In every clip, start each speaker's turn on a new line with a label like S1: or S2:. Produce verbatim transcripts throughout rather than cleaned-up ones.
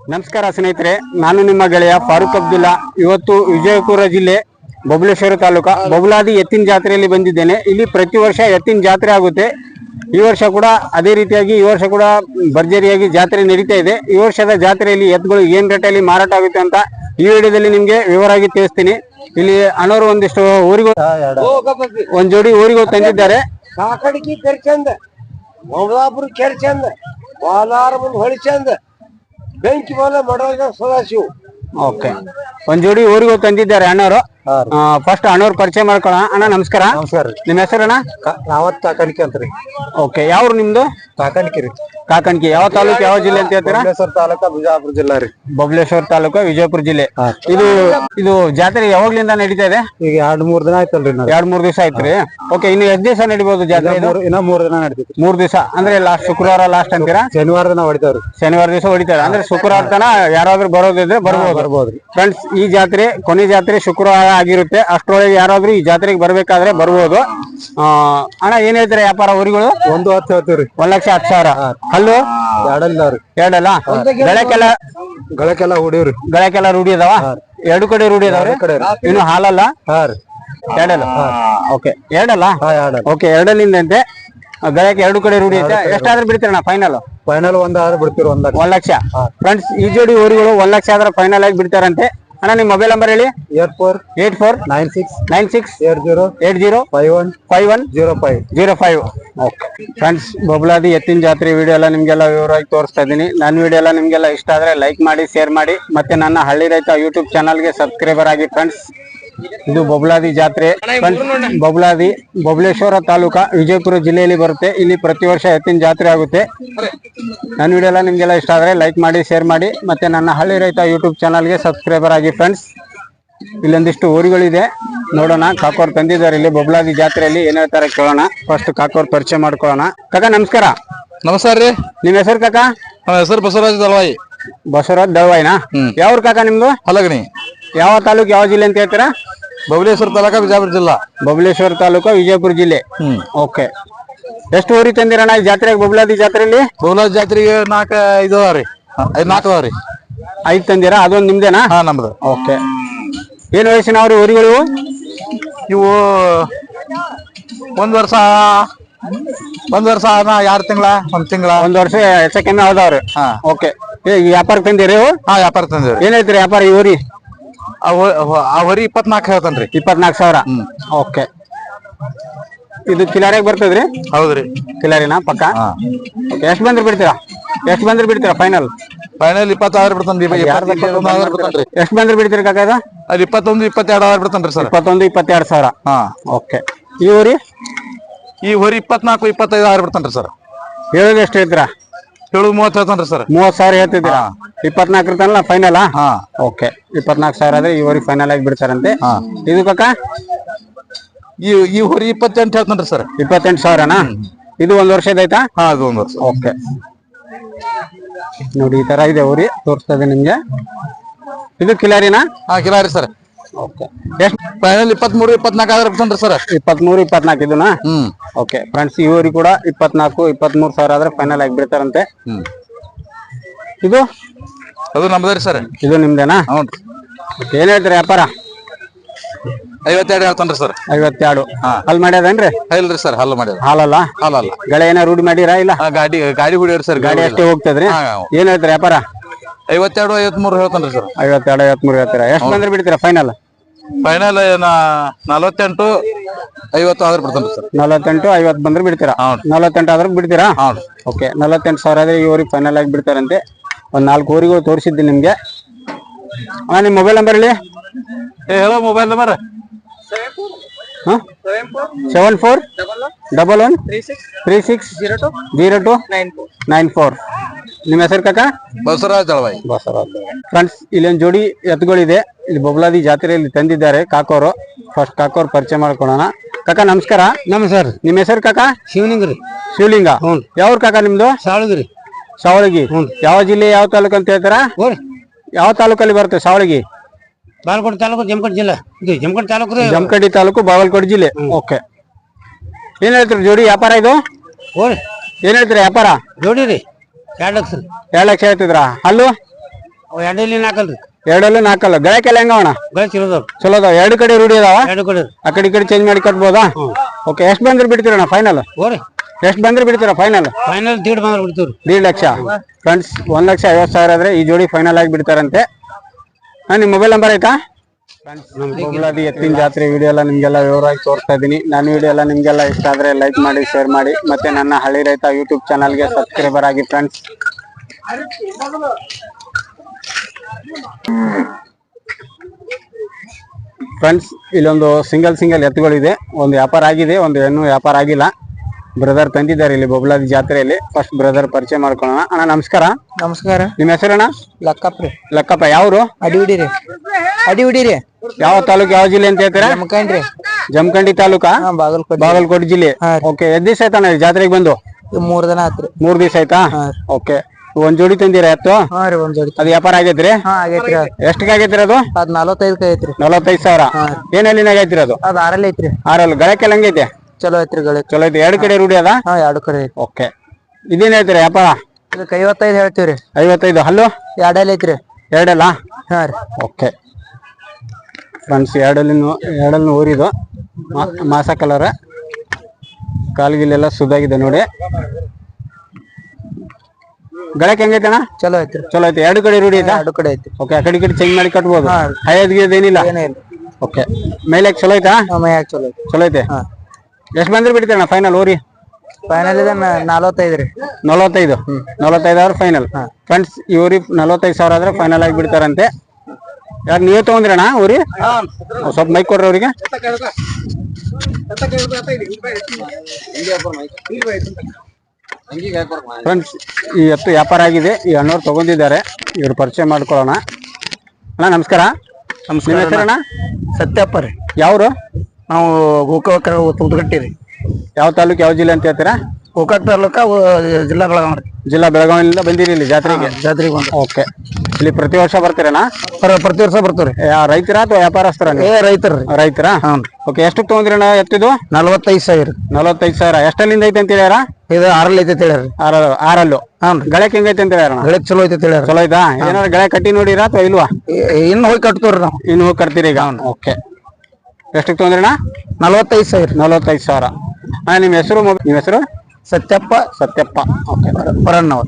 S1: ನಮಸ್ಕಾರ ಸ್ನೇಹಿತರೆ, ನಾನು ನಿಮ್ಮ ಗೆಳೆಯ ಫಾರೂಕ್ ಅಬ್ದುಲ್ಲಾ. ಇವತ್ತು ವಿಜಯಪುರ ಜಿಲ್ಲೆ ಬಬಲೇಶ್ವರ ತಾಲೂಕಾ ಬಬಲಾದಿ ಎತ್ತಿನ ಜಾತ್ರೆಯಲ್ಲಿ ಬಂದಿದ್ದೇನೆ. ಇಲ್ಲಿ ಪ್ರತಿ ವರ್ಷ ಎತ್ತಿನ ಜಾತ್ರೆ ಆಗುತ್ತೆ. ಈ ವರ್ಷ ಕೂಡ ಅದೇ ರೀತಿಯಾಗಿ ಈ ವರ್ಷ ಕೂಡ ಭರ್ಜರಿಯಾಗಿ ಜಾತ್ರೆ ನಡೀತಾ ಇದೆ. ಈ ವರ್ಷದ ಜಾತ್ರೆಯಲ್ಲಿ ಎತ್ತುಗಳು ಏನ್ ರೇಟಲ್ಲಿ ಮಾರಾಟ ಆಗುತ್ತೆ ಅಂತ ಈ ವಿಡಿಯೋದಲ್ಲಿ ನಿಮ್ಗೆ ವಿವರವಾಗಿ ತಿಳಿಸ್ತೀನಿ. ಇಲ್ಲಿ ಅಣ್ಣವರು ಒಂದಿಷ್ಟು ಊರಿಗೂ ಒಂದ್ ಜೋಡಿ ಊರಿಗೂ ತಂದಿದ್ದಾರೆ.
S2: ಕಾಕಡಿಗೆ ಕೆರ್ಚಂದ ಮಮದಾಪುರ ಕೆರ್ಚಂದ ವಾಲಾರ ಮುಂದೆ ಹೊಳಿಚಂದ ಬೆಂಕಿ ಬೋಲ ಮಡೋದ ಸದಾಶಿವ್.
S1: ಓಕೆ, ಒಂದ್ ಜೋಡಿ ಊರಿಗೂ ತಂದಿದ್ದಾರೆ ಅಣ್ಣವರು. ಫಸ್ಟ್ ಅಣ್ಣವ್ರ ಪರಿಚಯ ಮಾಡ್ಕೊಳ್ಳೋಣ. ಅಣ್ಣ ನಮಸ್ಕಾರ.
S2: ನಮಸ್ಕಾರ.
S1: ನಿಮ್ ಹೆಸರಣ್ಣ?
S2: ನಾವತ್ ಕಾಕಣಿಕೆ ಅಂತ್ರಿ.
S1: ಓಕೆ, ಯಾವ್ರು ನಿಮ್ದು?
S2: ಕಾಕಣಿಕೆ ರೀ.
S1: ಕಾಕಣಿಕೆ ಯಾವ ತಾಲೂಕು ಯಾವ ಜಿಲ್ಲೆ ಅಂತ ಹೇಳ್ತೀರಾ?
S2: ಬಬಲೇಶ್ವರ ತಾಲೂಕಾ ಬಿಜಾಪುರ ಜಿಲ್ಲಾ ರೀ.
S1: ಬಬಲೇಶ್ವರ ತಾಲೂಕು ವಿಜಯಪುರ ಜಿಲ್ಲೆ. ಇದು ಇದು ಜಾತ್ರೆ ಯಾವಾಗ್ಲಿಂದ ನಡೀತಾ ಇದೆ?
S2: ಈಗ ಎರಡ್ ಮೂರ್ ದಿನ ಆಯ್ತಲ್ರಿ.
S1: ಎರಡ್ ಮೂರ್ ದಿವಸ ಆಯ್ತ್ರಿ. ಓಕೆ, ಇನ್ನು ಎಷ್ಟ್ ದಿವಸ ನಡಿಬಹುದು ಜಾತ್ರೆ?
S2: ಇನ್ನ ಮೂರ್ ದಿನ ನಡೀತೈತಿ.
S1: ಮೂರ್ ದಿವಸ ಅಂದ್ರೆ ಲಾಸ್ಟ್ ಶುಕ್ರವಾರ ಲಾಸ್ಟ್ ಅಂತೀರಾ?
S2: ಶನಿವಾರ ದಿನ ಹೊಡಿತಾವ್ರಿ.
S1: ಶನಿವಾರ ದಿವಸ ಹೊಡಿತಾರೆ ಅಂದ್ರೆ ಶುಕ್ರವಾರ ತನ ಯಾರಾದ್ರೂ ಬರೋದಿದ್ರೆ ಬರ್ಬೋದು.
S2: ಬರ್ಬೋದ್ರಿ
S1: ಫ್ರೆಂಡ್ಸ್, ಈ ಜಾತ್ರೆ ಕೊನೆ ಜಾತ್ರೆ ಶುಕ್ರವಾರ ಆಗಿರುತ್ತೆ. ಅಷ್ಟರೊಳಗೆ ಯಾರಾದ್ರೂ ಈ ಜಾತ್ರೆಗೆ ಬರ್ಬೇಕಾದ್ರೆ ಬರ್ಬೋದು. ಆ ಅಣ್ಣ ಏನ್ ಹೇಳ್ತಾರೆ ವ್ಯಾಪಾರ ಊರಿಗಳು?
S2: ಒಂದು ಹತ್ತು ಹೇಳ್ತೀವ್ರಿ.
S1: ಒಂದ್ ಲಕ್ಷ ಹತ್ತು ಸಾವಿರ. ಅಲ್ಲೂ
S2: ಎರಡಲ್ಲಾವ್ರಿ.
S1: ಎರಡಲ್ಲ? ಗಳಕ್ಕೆಲ್ಲ
S2: ಗಳಕ್ಕೆಲ್ಲ ಹೊಡಿವ್ರಿ.
S1: ಗಳಕ್ಕೆಲ್ಲ ರೂಢಿ ಅದಾವ? ಎರಡು ಕಡೆ ರೂಢಿ ಅದಾವ್ರಿ. ಇನ್ನು ಹಾಲಲ್ಲ?
S2: ಹಾ ರೀ.
S1: ಎರಡಲ್ಲ? ಓಕೆ, ಎರಡಲ್ಲ? ಓಕೆ, ಎರಡಲ್ಲಿಂದಂತೆ ಗಳಕ್ಕೆ ಎರಡು ಕಡೆ ರೂಢಿ ಐತೆ. ಎಷ್ಟಾದ್ರೂ ಬಿಡ್ತೀರಣ್ಣ ಫೈನಲ್?
S2: ಫೈನಲ್ ಒಂದ್ ಆದ್ರೆ ಬಿಡ್ತೀವಿ. ಒಂದ್ ಲಕ್ಷ.
S1: ಒಂದ್ ಲಕ್ಷ. ಫ್ರೆಂಡ್ಸ್, ಈ ಜೋಡಿ ಊರುಗಳು ಒಂದ್ ಲಕ್ಷ ಆದ್ರೆ ಫೈನಲ್ ಆಗಿ ಬಿಡ್ತಾರಂತೆ. ಅಣ್ಣ ನಿಮ್ ಮೊಬೈಲ್ ನಂಬರ್ ಹೇಳಿ.
S2: Eight four
S1: eight four
S2: nine six
S1: nine six
S2: eight zero
S1: eight zero
S2: five one
S1: five one
S2: zero five
S1: zero five. Okay friends, Babaladi ಎತ್ತಿನ ಜಾತ್ರೆ ವಿಡಿಯೋ ಎಲ್ಲ ನಿಮ್ಗೆಲ್ಲ ವಿವರವಾಗಿ ತೋರಿಸ್ತಾ ಇದ್ದೀನಿ. ನನ್ನ ವಿಡಿಯೋ ಎಲ್ಲ ನಿಮ್ಗೆಲ್ಲ ಇಷ್ಟ ಆದ್ರೆ ಲೈಕ್ ಮಾಡಿ, ಶೇರ್ ಮಾಡಿ, ಮತ್ತೆ ನನ್ನ ಹಳ್ಳಿ ರೈತ ಯೂಟ್ಯೂಬ್ ಚಾನಲ್ಗೆ ಸಬ್ಸ್ಕ್ರೈಬರ್ ಆಗಿ. ಫ್ರೆಂಡ್ಸ್, ಇದು ಬಬಲಾದಿ ಜಾತ್ರೆ. ಬಬಲಾದಿ ಬಬಲೇಶ್ವರ ತಾಲೂಕಾ ವಿಜಯಪುರ ಜಿಲ್ಲೆಯಲ್ಲಿ ಬರುತ್ತೆ. ಇಲ್ಲಿ ಪ್ರತಿ ವರ್ಷ ಎತ್ತಿನ ಜಾತ್ರೆ ಆಗುತ್ತೆ. ನನ್ನ ವಿಡಿಯೋ ಎಲ್ಲ ನಿಮ್ಗೆಲ್ಲ ಇಷ್ಟ ಆದ್ರೆ ಲೈಕ್ ಮಾಡಿ, ಶೇರ್ ಮಾಡಿ, ಮತ್ತೆ ನನ್ನ ಹಳ್ಳಿ ರೈತ ಯೂಟ್ಯೂಬ್ ಚಾನಲ್ಗೆ ಸಬ್ಸ್ಕ್ರೈಬರ್ ಆಗಿ. ಫ್ರೆಂಡ್ಸ್, ಇಲ್ಲೊಂದಿಷ್ಟು ಊರುಗಳಿದೆ, ನೋಡೋಣ. ಕಾಕೋರ್ ತಂದಿದ್ದಾರೆ ಇಲ್ಲಿ ಬಬಲಾದಿ ಜಾತ್ರೆಯಲ್ಲಿ. ಏನ್ ಹೇಳ್ತಾರೆ ಕೇಳೋಣ. ಫಸ್ಟ್ ಕಾಕೋರ್ ಪರಿಚಯ ಮಾಡ್ಕೊಳ್ಳೋಣ. ಕಾಕ ನಮಸ್ಕಾರ.
S3: ನಮಸ್ಕಾರ ರೀ.
S1: ನಿಮ್ ಹೆಸರು ಕಾಕ?
S3: ನಮ್ಮ ಹೆಸರು ಬಸವರಾಜ್ ದಳವಾಯಿ.
S1: ಬಸವರಾಜ್ ದಳವಾಯಿನಾ? ಯಾವ್ರ ಕಾಕ ನಿಮ್ದು?
S3: ಹಲಗಣಿ.
S1: ಯಾವ ತಾಲೂಕು ಯಾವ ಜಿಲ್ಲೆ ಅಂತ ಹೇಳ್ತೀರಾ?
S3: ಬಬಲೇಶ್ವರ ತಾಲೂಕಾ ವಿಜಯಪುರ ಜಿಲ್ಲಾ.
S1: ಬಬಲೇಶ್ವರ ತಾಲೂಕು ವಿಜಯಪುರ ಜಿಲ್ಲೆ. ಓಕೆ, ಎಷ್ಟು ಊರಿ ತಂದಿರಣ್ಣ ಈ ಜಾತ್ರೆಗೆ? ಬಬಲಾದಿ ಜಾತ್ರೆಯಲ್ಲಿ
S3: ಬಬಲಾದಿ ಜಾತ್ರೆಗೆ ನಾಲ್ಕ ಐದು ಅದಾವ್ರಿ. ಐದ್ ನಾಲ್ಕು ಅದಾವ್ರಿ.
S1: ಐದ್ ತಂದಿರಾ? ಅದೊಂದು ನಿಮ್ದೇನಾ?
S3: ಹಾ, ನಮ್ದು.
S1: ಓಕೆ, ಏನ್ ವಯಸ್ಸಿನವ್ರಿ ಊರಿಗಳು?
S3: ಇವು ಒಂದ್ ವರ್ಷ ಒಂದ್ ವರ್ಷ ಎರಡು ತಿಂಗಳ ಒಂದ್ ತಿಂಗಳ
S1: ಒಂದ್ ವರ್ಷ ಹೆಚ್ಚ ಕಮ್ಮಿ ಹೌದವ್ರಿ.
S3: ಹಾ.
S1: ಓಕೆ, ಈ ವ್ಯಾಪಾರ ತಂದಿರಿ?
S3: ಹಾ, ವ್ಯಾಪಾರ ತಂದೇವ್ರಿ.
S1: ಏನ್ ಹೇಳ್ತೀರಿ ವ್ಯಾಪಾರ ಈ ಊರಿ?
S3: ಆ ಹೊರಿ ಇಪ್ಪತ್ನಾಲ್ಕು ಹೇಳ್ತಾನ್ರಿ.
S1: ಇಪ್ಪತ್ನಾಲ್ಕು ಸಾವಿರ. ಓಕೆ, ಇದು ಕಿಲಾರಿಯಾಗ ಬರ್ತದ್ರಿ?
S3: ಹೌದ್ರಿ.
S1: ಕಿಲಾರಿನಾ ಪಕ್ಕ? ಎಷ್ಟ್ ಬಂದ್ರೆ ಬಿಡ್ತೀರಾ? ಎಷ್ಟ್ ಬಂದ್ರೆ ಬಿಡ್ತೀರಾ ಫೈನಲ್?
S3: ಫೈನಲ್ ಇಪ್ಪತ್ತಾರು ಬಿಡ್ತಾನ್ರಿ. ಬಿಡ್ತಾನ್ರಿ.
S1: ಎಷ್ಟ್ ಬಂದ್ರೆ ಬಿಡ್ತೀರಿ ಕಾಕ?
S3: ಅಲ್ಲಿ ಇಪ್ಪತ್ತೊಂದು ಇಪ್ಪತ್ತೆರಡು ಆರು ಬಿಡ್ತಾನ್ರಿ ಸರ್.
S1: ಇಪ್ಪತ್ತೊಂದು ಇಪ್ಪತ್ತೆರಡು ಸಾವಿರ.
S3: ಹಾ.
S1: ಓಕೆ, ಈ ಊರಿ?
S3: ಈ ಹೊರಿ ಇಪ್ಪತ್ನಾಲ್ಕು ಇಪ್ಪತ್ತೈದು ಆರು ಬಿಡ್ತಾನ್ರಿ ಸರ್.
S1: ಹೇಳೋದು ಎಷ್ಟು ಹೇಳ್ತೀರಾ?
S3: ಹೇಳುದು ಮೂವತ್ತು ಹೇಳ್ತಾನ್ರಿ ಸರ್.
S1: ಮೂವತ್ ಸಾವಿರ ಹೇಳ್ತಿದ್ದೀರಾ? ಇಪ್ಪತ್ನಾಲ್ಕು ಇರ್ತಾನಲ್ಲ ಫೈನಲ್?
S3: ಹಾ.
S1: ಓಕೆ, ಇಪ್ಪತ್ನಾಲ್ಕು ಸಾವಿರ ಆದ್ರೆ ಈ ಊರಿಗೆ ಫೈನಲ್ ಆಗಿ ಬಿಡ್ತಾರಂತೆ. ಇದು ಕಾಕ?
S3: ಈ ಈ ಹೊರಿ ಇಪ್ಪತ್ತೆಂಟು ಹೇಳ್ತಾನ್ರಿ ಸರ್.
S1: ಇಪ್ಪತ್ತೆಂಟು ಸಾವಿರನಾ? ಇದು ಒಂದ್ ವರ್ಷದೈತಾ?
S3: ಹಾ, ಅದು ಒಂದ್ ವರ್ಷ.
S1: ಓಕೆ, ನೋಡಿ ಈ ತರ ಇದೆ ಊರಿ, ತೋರಿಸ್ತಾ ಇದೆ ನಿಮ್ಗೆ. ಇದು ಕಿಲಾರಿನಾ?
S3: ಹಾ, ಕಿಲಾರಿ ಸರ್.
S1: ಓಕೆ, ಎಷ್ಟು
S3: ಫೈನಲ್ ಇಪ್ಪತ್ಮೂರು ಇಪ್ಪತ್ನಾಲ್ಕು ಆದ್ರೆ ಬಿಡ್ತಾನ್ರಿ ಸರ್.
S1: ಇಪ್ಪತ್ಮೂರು ಇಪ್ಪತ್ನಾಲ್ಕು ಇದನ್ನ?
S3: ಹ್ಮ್.
S1: ಓಕೆ ಫ್ರೆಂಡ್ಸ್, ಈ ಊರಿಗೆ ಕೂಡ ಇಪ್ಪತ್ನಾಲ್ಕು ಇಪ್ಪತ್ಮೂರು ಸಾವಿರ ಆದ್ರೆ ಫೈನಲ್ ಆಗಿ ಬಿಡ್ತಾರಂತೆ.
S3: ಹ್ಮ್.
S1: ಇದು
S3: ಅದು ನಮ್ದ್ರಿ ಸರ್.
S1: ಇದು ನಿಮ್ದೇನಾ?
S3: ಹ್ಞೂ.
S1: ಏನ್ ಹೇಳ್ತೀರಿ ವ್ಯಾಪಾರ?
S3: ಐವತ್ತೆರಡು ಹೇಳ್ತಾನ್ರಿ ಸರ್.
S1: ಐವತ್ತೆರಡು. ಹಲ್ ಮಾಡ್ಯದೇನ್ರಿ?
S3: ಇಲ್ರಿ ಸರ್, ಹಲ್ಲು ಮಾಡ್ಯಾರ.
S1: ಹಾಲಲ್ಲ?
S3: ಹಾಲಲ್ಲ.
S1: ಗಳೆ ಏನ ರೂಢಿ ಮಾಡಿರಾ? ಇಲ್ಲ,
S3: ಗಾಡಿ ಗಾಡಿ ಹೊಡಿಯೋರಿ ಸರ್.
S1: ಗಾಡಿ ಅಷ್ಟೇ ಹೋಗ್ತದ್ರಿ? ಏನ್ ಹೇಳ್ತೀರಿ ವ್ಯಾಪಾರ?
S3: ಐವತ್ತೆರಡು ಐವತ್ಮೂರು ಹೇಳ್ತಾನ್ರಿ ಸರ್.
S1: ಐವತ್ತೆರಡು ಐವತ್ಮೂರು ಹೇಳ್ತೀರಾ? ಎಷ್ಟು ಬಂದ್ರೆ ಬಿಡ್ತೀರಾ ಫೈನಲ್?
S3: ಫೈನಲ್ ನಲವತ್ತೆಂಟು ಐವತ್ತು ಆದ್ರೆ ಬಿಡ್ತಾನ್ರಿ ಸರ್.
S1: ನಲವತ್ತೆಂಟು ಐವತ್ತು ಬಂದ್ರೆ ಬಿಡ್ತೀರಾ? ನಲವತ್ತೆಂಟು ಆದ್ರೆ ಬಿಡ್ತೀರಾ? ಓಕೆ, ನಲವತ್ತೆಂಟು ಸಾವಿರ ಆದ್ರೆ ಈ ಊರಿಗೆ ಫೈನಲ್ ಆಗಿ ಬಿಡ್ತಾರಂತೆ. ಒಂದ್ ನಾಲ್ಕು ಊರಿಗಳು ತೋರಿಸಿದ್ದೆ ನಿಮ್ಗೆ. ನಿಮ್ ಮೊಬೈಲ್ ನಂಬರ್ ಹೇಳಿ.
S3: ಹೇಳೋ mobile number
S1: seven four double one three six zero two nine four. ನಿಮ್ಮ ಹೆಸರು ಕಾಕ?
S3: ಬಸವರಾಜ್ ದಳವಾಯಿ.
S1: ಬಸವರಾಜ್. ಫ್ರೆಂಡ್ಸ್, ಇಲ್ಲೊಂದು ಜೋಡಿ ಎತ್ತುಗಳಿದೆ. ಇಲ್ಲಿ ಬಬಲಾದಿ ಜಾತ್ರೆಯಲ್ಲಿ ತಂದಿದ್ದಾರೆ ಕಾಕೋರು. ಫಸ್ಟ್ ಕಾಕೋರ್ ಪರಿಚಯ ಮಾಡ್ಕೊಳ್ಳೋಣ. ಕಾಕ ನಮಸ್ಕಾರ.
S2: ನಮಸ್ಕಾರ.
S1: ನಿಮ್ಮ ಹೆಸರು ಕಾಕ?
S2: ಶಿವಲಿಂಗ ರೀ.
S1: ಶಿವಲಿಂಗ. ಯಾವ ಕಾಕ ನಿಮ್ದು?
S2: ಸಾವಳಗಿ.
S1: ಸಾವಳಗಿ. ಯಾವ ಜಿಲ್ಲೆ ಯಾವ ತಾಲೂಕು ಅಂತ ಹೇಳ್ತಾರಾ? ಯಾವ ತಾಲೂಕಲ್ಲಿ ಬರುತ್ತೆ ಸಾವಳಗಿ?
S2: ಬಾಗಲಕೋಟೆ ತಾಲೂಕು, ಜಮಖಂಡಿ ಜಿಲ್ಲಾ. ಇದು ಜಮಖಂಡಿ ತಾಲೂಕು ರೀ.
S1: ಜಮಖಂಡಿ ತಾಲೂಕು, ಬಾಗಲಕೋಟೆ ಜಿಲ್ಲೆ. ಓಕೆ, ಏನ್ ಹೇಳ್ತೀರಿ ಜೋಡಿ ವ್ಯಾಪಾರ ಇದು? ಏನ್ ಹೇಳ್ತೀರಿ ವ್ಯಾಪಾರ?
S2: ಜೋಡಿ ರೀ ಎರಡು ಲಕ್ಷ.
S1: ಎರಡು ಲಕ್ಷ ಹೇಳ್ತಿದ್ರಾ? ಅಲ್ಲೂ
S2: ಅವ್ ಎರಡಲ್ಲಿ ನಾಲ್ಕಲ್ರಿ
S1: ಎರಡಲ್ಲೂ ನಾಲ್ಕಲ್ಲ ಗಳಕ್ಕೆಲ್ಲ ಹೆಂಗವಣ
S2: ಗಳ ಚಲೋದವ್
S1: ಚಲೋ ಅದಾವ ಎರಡು ಕಡೆ ರೂಢಿ ಅದಾವ
S2: ಎರಡು ಕಡೆ
S1: ಆ ಕಡೆ ಈ ಕಡೆ ಚೇಂಜ್ ಮಾಡಿ ಕಟ್ಬೋದಾ ಓಕೆ ಎಷ್ಟು ಬಂದ್ರೆ ಬಿಡ್ತೀರಣ್ಣ ಫೈನಲ್
S2: ಹೋರಿ
S1: ಎಷ್ಟು ಬಂದ್ರೆ ಬಿಡ್ತೀರಾ ಫೈನಲ್
S2: ಫೈನಲ್ ದೀಡ್ ಬಂದ್ರೆ ಬಿಡ್ತೀವ್ರಿ
S1: ದೀಡ್ ಲಕ್ಷ ಫ್ರೆಂಡ್ಸ್ ಒಂದ್ ಲಕ್ಷ ಐವತ್ತು ಸಾವಿರ ಆದ್ರೆ ಈ ಜೋಡಿ ಫೈನಲ್ ಆಗಿ ಬಿಡ್ತಾರಂತೆ ಹಾ ನಿಮ್ ಮೊಬೈಲ್ ನಂಬರ್ ಆಯ್ತಾ ಬೊಬ್ಲಾದಿ ಎತ್ತಿನ ಜಾತ್ರೆ ವಿಡಿಯೋ ಎಲ್ಲ ನಿಮ್ಗೆಲ್ಲ ವಿವರವಾಗಿ ತೋರಿಸ್ತಾ ಇದ್ದೀನಿ ನನ್ನ ವಿಡಿಯೋ ಎಲ್ಲ ನಿಮ್ಗೆಲ್ಲ ಇಷ್ಟ ಆದ್ರೆ ಲೈಕ್ ಮಾಡಿ ಶೇರ್ ಮಾಡಿ ಮತ್ತೆ ನನ್ನ ಹಳ್ಳಿ ರೈತ ಯೂಟ್ಯೂಬ್ ಚಾನಲ್ಗೆ ಸಬ್ಸ್ಕ್ರೈಬರ್ ಆಗಿ ಫ್ರೆಂಡ್ಸ್ ಫ್ರೆಂಡ್ಸ್ ಇಲ್ಲೊಂದು ಸಿಂಗಲ್ ಸಿಂಗಲ್ ಎತ್ತುಗಳಿದೆ ಒಂದು ವ್ಯಾಪಾರ ಆಗಿದೆ ಒಂದು ಹೆಣ್ಣು ವ್ಯಾಪಾರ ಆಗಿಲ್ಲ ಬ್ರದರ್ ತಂದಿದ್ದಾರೆ ಇಲ್ಲಿ ಬೊಬ್ಲಾದಿ ಜಾತ್ರೆಯಲ್ಲಿ ಫಸ್ಟ್ ಬ್ರದರ್ ಪರಿಚಯ ಮಾಡ್ಕೊಳ್ಳೋಣ ಅಣ್ಣ ನಮಸ್ಕಾರ
S3: ನಮಸ್ಕಾರ
S1: ನಿಮ್ಮ ಹೆಸರಣ್ಣ
S3: ಲಕ್ಕಪ್ಪ ರೀ
S1: ಲಕ್ಕಪ್ಪ ಯಾವ್ರು
S3: ಅಡಿ ಹುಡಿರಿ ಅಡಿ ಹುಡಿರಿ
S1: ಯಾವ ತಾಲೂಕು ಯಾವ ಜಿಲ್ಲೆ ಅಂತ ಹೇಳ್ತೀರಾ
S3: ಜಮಖಂಡ್ರಿ
S1: ಜಮಖಂಡಿ ತಾಲೂಕಾ
S3: ಹಾ ಬಾಗಲಕೋಟೆ
S1: ಬಾಗಲಕೋಟೆ ಜಿಲ್ಲೆ ಓಕೆ ಎಷ್ಟ್ ದಿವಸ ಆಯ್ತಾನ ಜಾತ್ರೆಗೆ ಬಂದು
S3: ಮೂರ್ ದಿನ ಆತ್ರಿ
S1: ಮೂರ್ ದಿವಸ ಆಯ್ತಾ ಓಕೆ ಒಂದ್ ಜೋಡಿ ತಂದಿರ ಎತ್ತು
S3: ಹಾ ರೀ ಒಂದ್ ಜೋಡಿ
S1: ಅದು ವ್ಯಾಪಾರ ಆಗೈತ್ರಿ
S3: ಹಾ ಆಗೈತ್ರಿ
S1: ಎಷ್ಟಿಗೆ ಆಗೈತ್ರಿ ಅದು
S3: ಅದ್ ನಲವತ್ತೈದಕ್ಕೆ ಐತ್ರಿ
S1: ನಲವತ್ತೈದು ಸಾವಿರ ಏನಲ್ಲಿ ಆಗೈತ್ರಿ ಅದು
S3: ಅದ್ ಆರಲ್ಲಿ ಐತ್ರಿ
S1: ಆರಲ್ಲಿ ಗಳಕ್ಕೆಲ್ಲ ಹಂಗೈತೆ
S3: ಚಲೋ ಐತ್ರಿ ಗಳಿಗೆ
S1: ಚಲೋ ಐತಿ ಎರಡು ಕಡೆ ರೂಢಿ ಅದ
S3: ಹಾ ಎರಡು ಕಡೆ ಐತಿ
S1: ಓಕೆ ಇದೇನ್ ಹೇಳ್ತೀರಿ ವ್ಯಾಪಾರ
S3: ಇದಕ್ಕೆ ಐವತ್ತೈದು ಹೇಳ್ತೀವ್ರಿ
S1: ಐವತ್ತೈದು ಹಲ್ಲು
S3: ಎರಡಲ್ಲಿ ಐತ್ರಿ
S1: ಎರಡಲ್ಲ
S3: ಹಾ ರೀ
S1: ಓಕೆ ಫ್ರೆಂಡ್ಸ್ ಎರಡಲ್ಲಿನ ಎರಡಲ್ಲಿ ಊರಿದು ಮಾಸ ಕಲರ್ ಕಾಲ್ಗಿಲೆಲ್ಲ ಸುದ್ದಾಗಿದೆ ನೋಡಿ ಗಳಕ್ಕೆ ಹೆಂಗೈತೆ ಅಣ್ಣ
S3: ಚಲೋ ಐತ್ರಿ
S1: ಚಲೋ ಐತಿ ಎರಡು ಕಡೆ ರೂಢಿ ಐತಾ
S3: ಎರಡು ಕಡೆ ಐತಿ
S1: ಓಕೆ ಆ ಕಡೆ ಈ ಕಡೆ ಚೇಂಜ್ ಮಾಡಿ ಕಟ್ಬೋದು ಹೈಯದ್ಗಿದ್ ಏನಿಲ್ಲ
S3: ಏನೇ ಇಲ್ಲ
S1: ಓಕೆ ಮೇಲೆ ಚಲೋ ಐತಾ
S3: ಮೈಯಾಗ ಚಲೋ ಐತಿ
S1: ಚಲೋ ಐತೆ
S3: ಹಾ
S1: ಎಷ್ಟು ಬಂದ್ರೆ ಬಿಡ್ತೀರಣ್ಣ ಫೈನಲ್ ಊರಿ
S3: ಫೈನಲ್ ಇದೆ ನಲವತ್ತೈದು ರೀ
S1: ನಲವತ್ತೈದು ನಲವತ್ತೈದು ಸಾವಿರ ಫೈನಲ್ ಫ್ರೆಂಡ್ಸ್ ಈ ಊರಿ ನಲವತ್ತೈದು ಸಾವಿರ ಆದ್ರೆ ಫೈನಲ್ ಆಗಿ ಬಿಡ್ತಾರಂತೆ ಯಾರು ನೀವೇ ತಗೊಂಡ್ರಣ್ಣ ಊರಿ ಸ್ವಲ್ಪ ಮೈಕ್ ಕೊಡ್ರಿ ಅವ್ರಿಗೆ ಫ್ರೆಂಡ್ಸ್ ಈ ಎತ್ತು ವ್ಯಾಪಾರ ಆಗಿದೆ ಈ ಅಣ್ಣವ್ರು ತಗೊಂಡಿದ್ದಾರೆ ಇವ್ರು ಪರಿಚಯ ಮಾಡ್ಕೊಳ್ಳೋಣ ಅಣ್ಣ ನಮಸ್ಕಾರ ನಮಸ್ಕಾರ ಹೆಸರಣ್ಣ
S3: ಸತ್ಯಪ್ಪ ರೀ
S1: ಯಾವ್ರು
S3: ನಾವು ಗೋಕಾಕ ತುಮಕಟ್ಟಿ ರೀ
S1: ಯಾವ ತಾಲೂಕು ಯಾವ ಜಿಲ್ಲೆ ಅಂತ ಹೇಳ್ತೀರಾ
S3: ಗೋಕಾಕ್ ತಾಲೂಕ ಜಿಲ್ಲಾ ಬೆಳಗಾವಿ ರೀ
S1: ಜಿಲ್ಲಾ ಬೆಳಗಾವಿಯಿಂದ ಬಂದಿರಿ ಇಲ್ಲಿ ಜಾತ್ರೆಗೆ
S3: ಜಾತ್ರೆಗೆ ಬಂದು
S1: ಓಕೆ ಇಲ್ಲಿ ಪ್ರತಿ ವರ್ಷ ಬರ್ತೀರಣ್ಣ
S3: ಪ್ರತಿ ವರ್ಷ ಬರ್ತೀವ್ರಿ
S1: ರೈತರ ಅಥವಾ ವ್ಯಾಪಾರಸ್ಥರ
S3: ಏ ರೈತರ ರೀ
S1: ರೈತರ ಓಕೆ ಎಷ್ಟು ತಗೊಂಡ್ರಣ್ಣ ಎತ್ತಿದು
S3: ನಲವತ್ತೈದು ಸಾವಿರ
S1: ನಲವತ್ತೈದು ಸಾವಿರ ಎಷ್ಟಲ್ಲಿಂದ ಐತೆ ಅಂತ ಹೇಳ್ಯಾರ
S3: ಇದು ಆರಲ್ಲಿ ಐತೆ ಹೇಳ್ಯಾರ
S1: ಆರ ಆರಲ್ಲು ಗಳಕ್ಕೆ ಹೆಂಗೈತೆ ಅಂತ ಹೇಳ್ಯಾರ
S3: ಗಳಕ್ ಚಲೋ ಐತೆ ಹೇಳ್ಯಾರ
S1: ಚಲೋ ಐತಾ ಏನಾರ ಗಳೆ ಕಟ್ಟಿ ನೋಡಿರಾ ಅಥವಾ ಇಲ್ವಾ
S3: ಇನ್ನು ಹೋಗಿ ಕಟ್ತವ್ರಿ ನಾವು
S1: ಇನ್ನು ಹೋಗಿ ಕಟ್ತೀರಿ ಈಗ ಓಕೆ ಎಷ್ಟಕ್ಕೆ ತಗೊಂಡ್ರಣ್ಣ
S3: ನಲವತ್ತೈದು ಸಾವಿರ
S1: ನಲವತ್ತೈದು ಸಾವಿರ ಹಾ ನಿಮ್ಮ ಹೆಸರು ನಿಮ್ಮ ಹೆಸರು
S3: ಸತ್ಯಪ್ಪ
S1: ಸತ್ಯಪ್ಪ ಓಕೆ
S3: ಪರಣ್ಣವ್ರು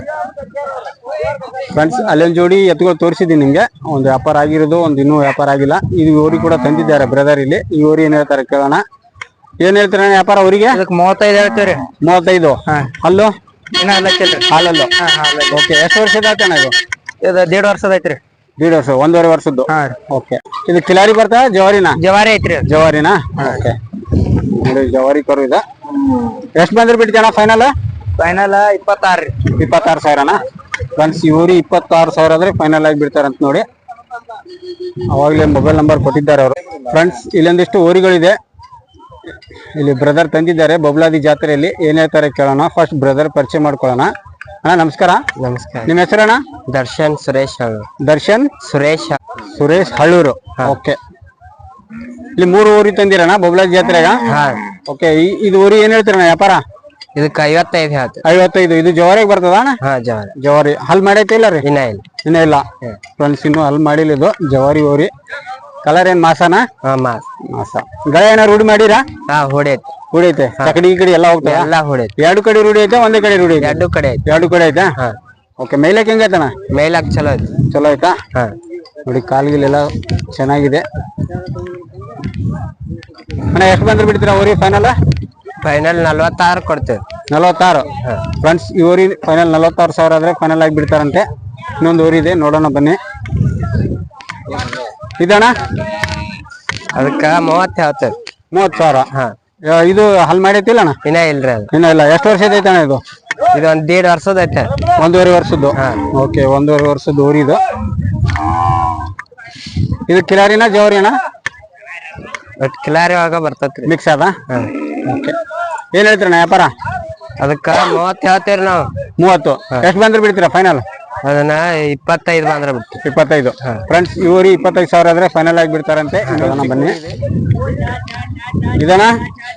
S1: ಫ್ರೆಂಡ್ಸ್ ಅಲ್ಲೊಂದು ಜೋಡಿ ಎತ್ತುಗಳು ತೋರಿಸಿದ್ದೀನಿ ನಿಮ್ಗೆ ಒಂದು ವ್ಯಾಪಾರ ಆಗಿರೋದು ಒಂದು ಇನ್ನೂ ವ್ಯಾಪಾರ ಆಗಿಲ್ಲ ಇದು ಊರಿ ಕೂಡ ತಂದಿದ್ದಾರೆ ಬ್ರದರ್ ಇಲ್ಲಿ ಈ ಊರಿ ಏನ್ ಹೇಳ್ತಾರೆ ಕೇಳೋಣ ಏನ್ ಹೇಳ್ತೀರ ವ್ಯಾಪಾರ ಊರಿಗೆ
S3: ಇದಕ್ಕೆ ಮೂವತ್ತೈದು ಹೇಳ್ತೀವ್ರಿ
S1: ಮೂವತ್ತೈದು ಅಲ್ಲೂ
S3: ಇನ್ನ ಎಲ್ಲ
S1: ಹಾಲಲ್ಲು ಓಕೆ ಎಷ್ಟು ವರ್ಷದ ಆಯ್ತಾನ ಇದು
S3: ಇದು ದೇಡ್ ವರ್ಷದ ಐತ್ರಿ
S1: ದೀಡ್ ವರ್ಷ ಒಂದೂವರೆ ವರ್ಷದ್ದು
S3: ಹಾ
S1: ಓಕೆ ಇದು ಕಿಲಾರಿ ಬರ್ತಾ ಜವಾರಿನಾ
S3: ಜವಾರಿ ಐತ್ರಿ
S1: ಜವಾರಿನಾ ಓಕೆ ನೋಡಿ ಜವಾರಿ ಕರು ಇದೆ ಎಷ್ಟು ಬಂದ್ರೆ ಬಿಡ್ತೀಯಣ್ಣ ಫೈನಲ್
S3: ಫೈನಲ್ ಇಪ್ಪತ್ತಾರು ರೀ
S1: ಇಪ್ಪತ್ತಾರು ಸಾವಿರನಾ ಫ್ರೆಂಡ್ಸ್ ಇವ್ರಿ ಇಪ್ಪತ್ತಾರು ಸಾವಿರ ಆದ್ರೆ ಫೈನಲ್ ಆಗಿ ಬಿಡ್ತಾರಂತ ನೋಡಿ ಅವಾಗಲೇ ಮೊಬೈಲ್ ನಂಬರ್ ಕೊಟ್ಟಿದ್ದಾರೆ ಅವರು ಫ್ರೆಂಡ್ಸ್ ಇಲ್ಲೊಂದಿಷ್ಟು ಊರಿಗಳಿದೆ ಇಲ್ಲಿ ಬ್ರದರ್ ತಂದಿದ್ದಾರೆ ಬೊಬ್ಲಾದಿ ಜಾತ್ರೆಯಲ್ಲಿ ಏನ್ ಹೇಳ್ತಾರೆ ಕೇಳೋಣ ಫಸ್ಟ್ ಬ್ರದರ್ ಪರಿಚಯ ಮಾಡ್ಕೊಳ್ಳೋಣ ಅಣ್ಣ ನಮಸ್ಕಾರ
S3: ನಮಸ್ಕಾರ
S1: ನಿಮ್ಮ ಹೆಸರಣ್ಣ
S3: ದರ್ಶನ್ ಸುರೇಶ್ ಹಳ್ಳೂರು
S1: ದರ್ಶನ್
S3: ಸುರೇಶ್
S1: ಸುರೇಶ್ ಹಳ್ಳೂರು ಓಕೆ ಇಲ್ಲಿ ಮೂರು ಊರಿ ತಂದಿರಣ್ಣ ಬೊಬ್ಲಾದಿ ಜಾತ್ರೆಗ
S3: ಹಾ
S1: ಓಕೆ ಇದು ಊರಿ ಏನ್ ಹೇಳ್ತೀರಣ್ಣ ವ್ಯಾಪಾರ
S3: ಇದಕ್ಕೆ ಐವತ್ತೈದು ಹೇಳ್ತೀವಿ
S1: ಐವತ್ತೈದು ಇದು ಜವಾರಿಗೆ ಬರ್ತದ ಅಣ್ಣ
S3: ಹಾ ಜವಾರಿ
S1: ಜವಾರಿ ಹಲ್ ಮಾಡೈತೆ ಇಲ್ಲ ರೀ
S3: ಇನ್ನ ಇಲ್ಲ
S1: ಇನ್ನ ಇಲ್ಲ ಫ್ರೆಂಡ್ಸ್ ಇನ್ನು ಹಲ್ ಮಾಡಿಲ್ಲ ಇದು ಜವಾರಿ ಊರಿ ಕಲರ್ ಏನ್ ಮಾಸನ
S3: ಹಾ ಮಾಸ್
S1: ಮಾಸ ಗಳೆ ಏನಾರು ರೂಢಿ ಮಾಡಿರಾ
S3: ಹಾ ಹೊಡೆಯೈತಿ
S1: ರೂಢಿ ಐತೆ ಕಡೆ ಈ ಕಡೆ ಎಲ್ಲ ಹೋಗ್ತದೆ
S3: ಎಲ್ಲ ಹೊಡೆಯೈತಿ
S1: ಎರಡು ಕಡೆ ರೂಢಿ ಐತೆ ಒಂದೇ ಕಡೆ ರೂಢಿ ಐತೆ
S3: ಎರಡು ಕಡೆ ಐತಿ
S1: ಎರಡು ಕಡೆ ಐತಾ
S3: ಹಾ
S1: ಓಕೆ ಮೇಲಕ್ಕೆ ಹೆಂಗೈತಣ್ಣ
S3: ಮೇಲಾಕ್ ಚಲೋ ಐತಿ
S1: ಚಲೋ ಆಯ್ತಾ
S3: ಹಾ
S1: ನೋಡಿ ಕಾಲ್ಗಿಲೆಲ್ಲ ಚೆನ್ನಾಗಿದೆ ಅಣ್ಣ ಎಷ್ಟು ಬಂದ್ರೆ ಬಿಡ್ತೀರಾ ಊರಿ ಫೈನಲ್
S3: ಫೈನಲ್ ನಲ್ವತ್ತಾರು ಕೊಡ್ತೇವೆ
S1: ನಲವತ್ತಾರು ಫ್ರೆಂಡ್ಸ್ ಈ ಊರಿ ಫೈನಲ್ ನಲವತ್ತಾರು ಸಾವಿರ ಆದ್ರೆ ಫೈನಲ್ ಆಗಿ ಬಿಡ್ತಾರಂತೆ ಇನ್ನೊಂದು ಊರಿ ಇದೆ ನೋಡೋಣ ಬನ್ನಿ ಇದಣ್ಣ
S3: ಅದಕ್ಕ ಮೂವತ್ತು ಹೇಳ್ತೇವೆ
S1: ಮೂವತ್ತು ಸಾವಿರ
S3: ಹಾ
S1: ಇದು ಹಲ್ ಮಾಡೈತಿಲ್ಲ ಅಣ್ಣ
S3: ಇನ್ನ ಇಲ್ರಿ ಅದು
S1: ಇನ್ನ ಇಲ್ಲ ಎಷ್ಟು ವರ್ಷದ ಐತೆ ಅಣ್ಣ ಇದು
S3: ಇದು ಒಂದ್ ದೇಡ್ ವರ್ಷದ ಐತೆ
S1: ಒಂದೂವರೆ ವರ್ಷದ್ದು ಓಕೆ ಒಂದೂವರೆ ವರ್ಷದ್ದು ಊರಿ ಇದು ಇದು ಕಿಲಾರಿನ ಜವರಿ ಅಣ್ಣ
S3: ಒಟ್ ಕಿಲಾರಿ ಒಳಗ ಬರ್ತೈತ್ರಿ
S1: ಮಿಕ್ಸ್ ಅದ ಓಕೆ ಏನ್ ಹೇಳ್ತೀರಣ್ಣ ವ್ಯಾಪಾರ
S3: ಅದಕ್ಕ ಮೂವತ್ತು ಹೇಳ್ತೇವ್ರಿ ನಾವು
S1: ಮೂವತ್ತು ಎಷ್ಟು ಬಂದ್ರೆ ಬಿಡ್ತೀರಾ ಫೈನಲ್
S3: ಅದನ್ನ ಇಪ್ಪತ್ತೈದು ಬಂದ್ರೆ ಬಿಡ್ತೀವಿ
S1: ಇಪ್ಪತ್ತೈದು ಫ್ರೆಂಡ್ಸ್ ಇವರಿ ಇಪ್ಪತ್ತೈದು ಸಾವಿರ ಆದ್ರೆ ಫೈನಲ್ ಆಗಿ ಬಿಡ್ತಾರಂತೆ ನೋಡೋಣ ಬನ್ನಿ ಇದಣ್ಣ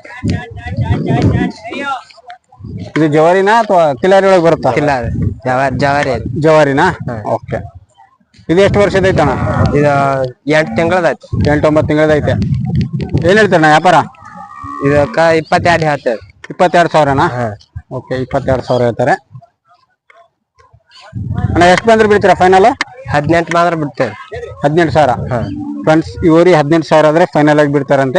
S1: ಇದು ಜವಾರಿನಾ ಅಥವಾ ಕಿಲಾರಿ ಒಳಗೆ ಬರುತ್ತಾ
S3: ಕಿಲಾರಿ ಜವಾರಿ ಜವಾರಿ
S1: ಜವಾರಿನಾ ಓಕೆ ಇದು ಎಷ್ಟು ವರ್ಷದ ಐತಣ್ಣ?
S4: ಇದು ಎಂಟು ತಿಂಗಳದೈತಿ.
S1: ಎಂಟು ಒಂಬತ್ತು ತಿಂಗಳದೈತೆ. ಏನ್ ಹೇಳ್ತಾರಣ್ಣ ವ್ಯಾಪಾರ?
S4: ಇದಕ್ಕ ಇಪ್ಪತ್ತೆರಡು ಹೇಳ್ತೇವೆ.
S1: ಇಪ್ಪತ್ತೆರಡು ಸಾವಿರನಾ? ಓಕೆ, ಇಪ್ಪತ್ತೆರಡು ಸಾವಿರ ಹೇಳ್ತಾರೆ ಅಣ್ಣ. ಎಷ್ಟು ಬಂದ್ರೆ ಬಿಡ್ತೀರಾ ಫೈನಲ್?
S4: ಹದಿನೆಂಟು ಮಾತ್ರ ಬಿಡ್ತೇವೆ.
S1: ಹದಿನೆಂಟು ಸಾವಿರ ಫ್ರೆಂಡ್ಸ್. ಈ ಊರಿ ಹದಿನೆಂಟು ಸಾವಿರ ಆದ್ರೆ ಫೈನಲ್ ಆಗಿ ಬಿಡ್ತಾರಂತೆ.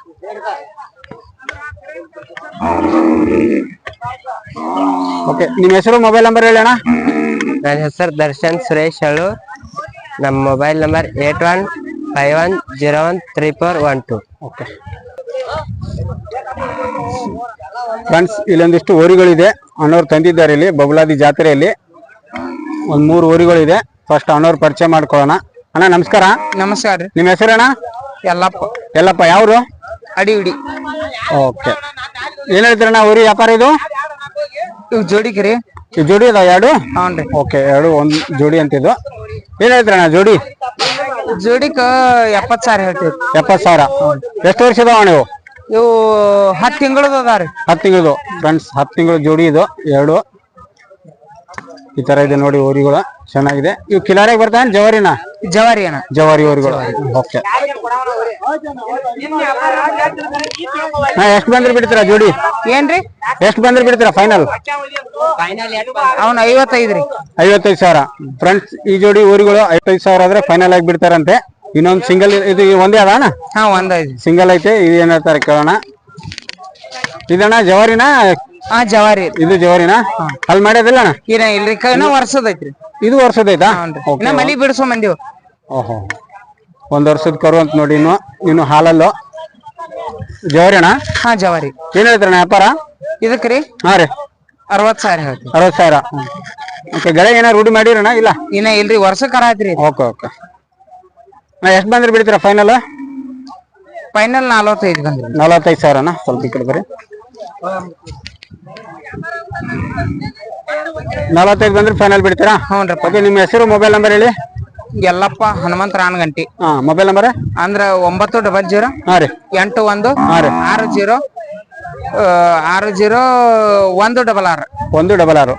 S1: ಓಕೆ, ನಿಮ್ಮ ಹೆಸರು ಮೊಬೈಲ್ ನಂಬರ್ ಹೇಳಿ ಅಣ್ಣ.
S4: ನನ್ನ ಹೆಸರು ದರ್ಶನ್ ಸುರೇಶ್ ಹೇಳು. ನಮ್ಮ mobile number eight one five one zero one three four one two.
S1: Okay friends, ಇಲ್ಲೊಂದಿಷ್ಟು ಊರುಗಳಿದೆ ಅಣ್ಣವ್ರು ತಂದಿದ್ದಾರೆ ಇಲ್ಲಿ ಬಬುಲಾದಿ ಜಾತ್ರೆಯಲ್ಲಿ. ಒಂದ್ ಮೂರು ಊರುಗಳಿದೆ. ಫಸ್ಟ್ ಅಣ್ಣವ್ರು ಪರಿಚಯ ಮಾಡ್ಕೊಳ್ಳೋಣ. ಅಣ್ಣ ನಮಸ್ಕಾರ.
S2: ನಮಸ್ಕಾರ ರೀ.
S1: ನಿಮ್ಮ ಹೆಸರಣ್ಣ?
S2: ಎಲ್ಲಪ್ಪ.
S1: ಎಲ್ಲಪ್ಪ. ಯಾವ್ರು?
S2: ಅಡಿ ಉಡಿ.
S1: ಓಕೆ, ಏನ್ ಹೇಳ್ತೀರಣ್ಣ ಊರಿ ವ್ಯಾಪಾರ ಇದು?
S2: ಇವ್ ಜೋಡಿಗೆ ರೀ.
S1: ಈ ಜೋಡಿ ಅದಾವ ಎರಡು?
S2: ಹ್ಞೂ.
S1: ಓಕೆ, ಎರಡು ಒಂದ್ ಜೋಡಿ ಅಂತಿದ್ದು. ಏನ್ ಹೇಳ್ತೀರಣ್ಣ ಜೋಡಿ?
S2: ಜೋಡಿಕ ಎಪ್ಪತ್ ಸಾವಿರ ಹೇಳ್ತೀವಿ.
S1: ಎಪ್ಪತ್ ಸಾವಿರ. ಎಷ್ಟು ವರ್ಷ ಇದಾವ ನೀವು?
S2: ಇವು ಹತ್ತು ತಿಂಗಳದ ಅದಾರಿ.
S1: ಹತ್ತು ತಿಂಗಳದು ಫ್ರೆಂಡ್ಸ್. ಹತ್ತು ತಿಂಗಳು ಜೋಡಿ ಇದು ಎರಡು. ಈ ತರ ಇದೆ ನೋಡಿ ಊರಿಗಳು, ಚೆನ್ನಾಗಿದೆ. ಇವು ಕಿಲಾರಿಗೆ ಬರ್ತಾನೆ ಜವಾರಿನ?
S2: ಜವಾರಿ ಅಣ್ಣ.
S1: ಜವಾರಿ ಊರುಗಳು. ಓಕೆ, ಹಾ ಎಷ್ಟು ಬಂದ್ರೆ ಬಿಡ್ತೀರಾ ಜೋಡಿ?
S2: ಏನ್ರಿ?
S1: ಎಷ್ಟು ಬಂದ್ರೆ ಬಿಡ್ತೀರಾ ಫೈನಲ್?
S2: ಅವ್ನ ಐವತ್ತೈದು ರೀ.
S1: ಐವತ್ತೈದು ಸಾವಿರ ಫ್ರೆಂಡ್ಸ್. ಈ ಜೋಡಿ ಊರುಗಳು ಐವತ್ತೈದು ಸಾವಿರ ಆದ್ರೆ ಫೈನಲ್ ಆಗಿ ಬಿಡ್ತಾರಂತೆ. ಇನ್ನೊಂದು ಸಿಂಗಲ್ ಇದು ಒಂದೇ ಅದ ಅಣ್ಣ?
S2: ಹಾ, ಒಂದೈದು
S1: ಸಿಂಗಲ್ ಐತೆ. ಇದು ಏನ್ ಹೇಳ್ತಾರೆ ಕೇಳೋಣ. ಇದಣ್ಣ ಜವಾರಿನ?
S2: ಹಾ, ಜವಾರಿ.
S1: ಇದು ಜವಾರಿನ? ಅಲ್ಲಿ ಮಾಡ್ಯದಿಲ್ಲ ಅಣ್ಣ?
S2: ಏನ ಇಲ್ರಿ, ಇನ್ನ ವರ್ಷದ ಐತ್ರಿ.
S1: ಇದು ವರ್ಷದೈತಾ?
S2: ಇನ್ನ ಮಲಿ ಬಿಡಿಸೋ ಮಂದಿವ್.
S1: ಓಹೋ, ಒಂದ್ ವರ್ಷದ ಕರು ಅಂತ ನೋಡಿ. ಇನ್ನು ಇನ್ನು ಹಾಲಲ್ಲು ಜವಾರಿ ಅಣ್ಣ?
S2: ಹಾ, ಜವಾರಿ.
S1: ಏನ್ ಹೇಳ್ತಾರಣ್ಣ ವ್ಯಾಪಾರ
S2: ಇದಕ್ರಿ?
S1: ಹಾ ರೀ,
S2: ಅರವತ್ ಸಾವಿರ ಹೇಳ್ತೀವಿ.
S1: ಅರವತ್ ಸಾವಿರ. ಓಕೆ, ಗಳೆ ಏನಾರ ರೂಢಿ ಮಾಡಿರಣ್ಣ? ಇಲ್ಲ,
S2: ಇನ್ನ ಇಲ್ರಿ, ವರ್ಷ ಕರ ಐತ್ರಿ.
S1: Okay okay. ನಾ ಎಷ್ಟು ಬಂದ್ರೆ ಬಿಡ್ತೀರಾ ಫೈನಲ್?
S2: ಫೈನಲ್ ನಲ್ವತ್ತೈದು ಬಂದ್ರಿ.
S1: ನಲವತ್ತೈದು ಸಾವಿರನಾ? ಸ್ವಲ್ಪ ಈ ಕಡೆ ಬರ್ರಿ. ನಲವತ್ತೈದು ಬಂದ್ರೆ ಫೈನಲ್ ಬಿಡ್ತೀರಾ?
S2: ಹ್ಞೂ.
S1: ಓಕೆ, ನಿಮ್ಮ ಹೆಸರು ಮೊಬೈಲ್ ನಂಬರ್ ಹೇಳಿ.
S2: ಎಲ್ಲಪ್ಪ ಹನುಮಂತ ರಾನಗಂಟಿ.
S1: ಹಾ, ಮೊಬೈಲ್ ನಂಬರ್
S2: ಅಂದ್ರ ಒಂಬತ್ತು ಡಬಲ್ ಜೀರೋ
S1: ಹಾ ರೀ
S2: ಎಂಟು ಒಂದು
S1: ಹಾ ರೀ
S2: ಆರು ಜೀರೋ ಆರು ಜೀರೋ ಒಂದು ಡಬಲ್ ಆರು
S1: ಒಂದು ಡಬಲ್ ಆರು.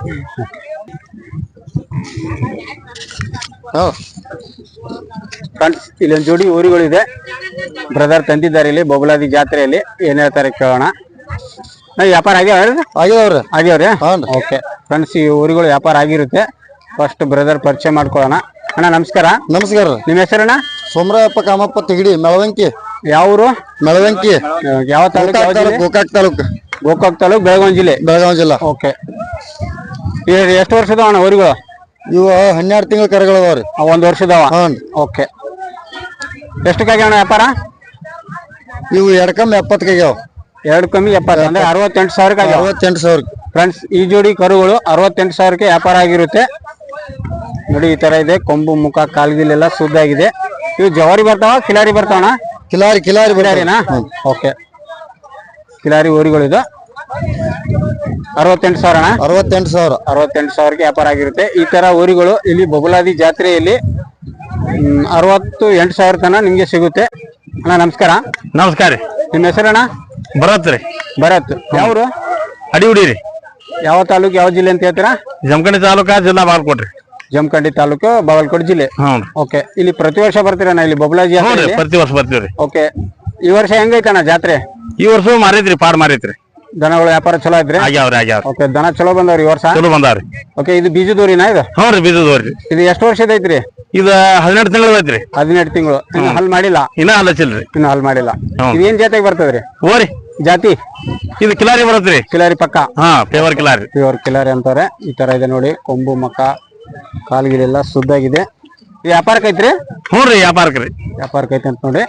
S1: ಫ್ರೆಂಡ್ಸ್, ಇಲ್ಲೊಂದು ಜೋಡಿ ಊರುಗಳಿದೆ. ಬ್ರದರ್ ತಂದಿದ್ದಾರೆ ಇಲ್ಲಿ ಬಬುಲಾದಿ ಜಾತ್ರೆಯಲ್ಲಿ. ಏನ್ ಹೇಳ್ತಾರೆ ಕೇಳೋಣ. ವ್ಯಾಪಾರ ಆಗ್ಯಾವ್ರಿ?
S3: ಆಗ್ಯಾವ್ರಿ.
S1: ಆಗ್ಯಾವ್ರಿ? ಓಕೆ ಫ್ರೆಂಡ್ಸ್, ಈ ಊರುಗಳು ವ್ಯಾಪಾರ ಆಗಿರುತ್ತೆ. ಫಸ್ಟ್ ಬ್ರದರ್ ಪರಿಚಯ ಮಾಡ್ಕೊಳ್ಳೋಣ. ಅಣ್ಣ ನಮಸ್ಕಾರ.
S3: ನಮಸ್ಕಾರ.
S1: ನಿಮ್ಮ ಹೆಸರಣ್ಣ?
S3: ಸೋಮರಾಯಪ್ಪ ಕಾಮಪ್ಪ ತಿಗಡಿ, ಮೆಳವಂಕಿ.
S1: ಯಾವ ಊರು?
S3: ಮೆಳವಂಕಿ.
S1: ಯಾವ ತಾಲೂಕು?
S3: ಗೋಕಾಕ್ ತಾಲೂಕು.
S1: ಗೋಕಾಕ್ ತಾಲೂಕು, ಬೆಳಗಾವಿ ಜಿಲ್ಲೆ.
S3: ಬೆಳಗಾವಿ ಜಿಲ್ಲಾ.
S1: ಓಕೆ, ಎಷ್ಟು ವರ್ಷದ ಅಣ್ಣ ಊರುಗಳು?
S3: ಇವ ಹನ್ನೆರಡು ತಿಂಗಳ ಕರೆಗಳದಾವ್ರಿ.
S1: ಒಂದ್ ವರ್ಷದವ?
S3: ಹ್ಞೂ.
S1: ಓಕೆ, ಎಷ್ಟಕ್ಕಾಗ್ಯಾವ ಅಣ್ಣ ವ್ಯಾಪಾರ?
S3: ಇವು ಎರಡ್ ಕಮ್ಮಿ ಎಪ್ಪತ್ತಕ್ಕಾಗ್ಯಾವ.
S1: ಎರಡು ಕಮ್ಮಿ ಎಪ್ಪತ್ತು ಅಂದ್ರೆ ಅರವತ್ತೆಂಟು ಸಾವಿರಕ್ಕೆ ಆಗ್ಯಾವ.
S3: ಅರವತ್ತೆಂಟು ಸಾವಿರ
S1: ಫ್ರೆಂಡ್ಸ್, ಈ ಜೋಡಿ ಕರುಗಳು ಅರವತ್ತೆಂಟು ಸಾವಿರಕ್ಕೆ ವ್ಯಾಪಾರ ಆಗಿರುತ್ತೆ ನೋಡಿ. ಈ ತರ ಇದೆ, ಕೊಂಬು ಮುಖ ಕಾಲ್ಗಿಲೆಲ್ಲ ಸುದ್ದಾಗಿದೆ. ಇವು ಜವಾರಿ ಬರ್ತಾವ ಕಿಲಾರಿ ಬರ್ತಾವಣ್ಣ?
S3: ಕಿಲಾರಿ ಕಿಲಾರಿ
S1: ಕಿಲಾರಿನಾ? ಓಕೆ, ಕಿಲಾರಿ ಊರುಗಳಿದು. ಅರವತ್ತೆಂಟು ಸಾವಿರ ಅಣ್ಣ?
S3: ಅರವತ್ತೆಂಟು ಸಾವಿರ
S1: ಅರವತ್ತೆಂಟು ಸಾವಿರಕ್ಕೆ ವ್ಯಾಪಾರ ಆಗಿರುತ್ತೆ. ಈ ತರ ಊರುಗಳು ಇಲ್ಲಿ ಬಬುಲಾದಿ ಜಾತ್ರೆಯಲ್ಲಿ ಹ್ಮ್ ಅರವತ್ತು ಎಂಟು ಸಾವಿರ ತನ ನಿಮ್ಗೆ ಸಿಗುತ್ತೆ. ಅಣ್ಣ ನಮಸ್ಕಾರ.
S5: ನಮಸ್ಕಾರ ರೀ.
S1: ನಿಮ್ಮ ಹೆಸರಣ್ಣ?
S5: ಭರತ್ ರೀ.
S1: ಭರತ್. ಯಾವ್ರು?
S5: ಅಡಿ ಉಡಿ ರೀ.
S1: ಯಾವ ತಾಲೂಕು ಯಾವ ಜಿಲ್ಲೆ ಅಂತ ಹೇಳ್ತೀರಾ?
S5: ಜಮಖಂಡಿ ತಾಲೂಕಾ, ಜಿಲ್ಲಾ ಬಾಗಲಕೋಟೆ.
S1: ಜಮಖಂಡಿ ತಾಲೂಕು, ಬಾಗಲಕೋಟೆ ಜಿಲ್ಲೆ.
S5: ಹ್ಞೂ.
S1: ಓಕೆ, ಇಲ್ಲಿ ಪ್ರತಿ ವರ್ಷ ಬರ್ತೀರಣ್ಣ ಇಲ್ಲಿ ಬಬುಲಾದಿ ಜಾತ್ರೆ?
S5: ಪ್ರತಿ ವರ್ಷ ಬರ್ತೀವ್ರಿ.
S1: ಓಕೆ, ಈ ವರ್ಷ ಹೆಂಗೈತಣ್ಣ ಜಾತ್ರೆ?
S5: ಈ ವರ್ಷ ಮಾರೈತ್ರಿ, ಪಾಡ್ ಮಾರೈತ್ರಿ.
S1: ದನಗಳ ವ್ಯಾಪಾರ ಚಲೋ ಐತ್ರಿ?
S5: ಆಗ್ಯಾವ್ರಿ ಆಗ್ಯಾವ್ರಿ.
S1: ಓಕೆ, ದನ ಚಲೋ ಬಂದವ್ರಿ ಈ ವರ್ಷ?
S5: ಚಲೋ ಬಂದಾವ್ರಿ.
S1: ಓಕೆ, ಇದು ಬೀಜದೂರಿನಾ ಇದು?
S5: ಹ್ಞೂ ರೀ, ಬೀಜದವ್ರಿ.
S1: ಇದು ಎಷ್ಟು ವರ್ಷದ ಐತ್ರಿ?
S5: ಇದು ಹದಿನೆಂಟು ತಿಂಗಳು ಐತ್ರಿ.
S1: ಹದಿನೆಂಟು ತಿಂಗಳು. ಇನ್ನು ಹಲ್ ಮಾಡಿಲ್ಲ?
S5: ಇನ್ನ ಹಲ್ಲಚಿಲ್ರಿ.
S1: ಇನ್ನು ಹಲ್ ಮಾಡಿಲ್ಲ. ಇದು ಏನ್ ಜಾತಿಗೆ ಬರ್ತದ್ರಿ?
S5: ಓರಿ
S1: ಜಾತಿ?
S5: ಇದು ಕಿಲಾರಿ ಬರತ್ರಿ.
S1: ಕಿಲಾರಿ ಪಕ್ಕ?
S5: ಹಾ, ಪೇವರ್ ಕಿಲಾರಿ.
S1: ಪ್ಯೂರ್ ಕಿಲಾರಿ ಅಂತಾರೆ. ಈ ತರ ಇದೆ ನೋಡಿ, ಕೊಂಬು ಮಕ್ಕ ಕಾಲ್ಗಿಲೆಲ್ಲ ಸುದ್ದಾಗಿದೆ. ಈ ವ್ಯಾಪಾರಕ್ಕೆ ಐತ್ರಿ?
S5: ಹ್ಞೂ ರೀ, ವ್ಯಾಪಾರಕ್ಕೆ ರೀ.
S1: ವ್ಯಾಪಾರಕ್ಕೆ ಐತೆ ಅಂತ ನೋಡಿ.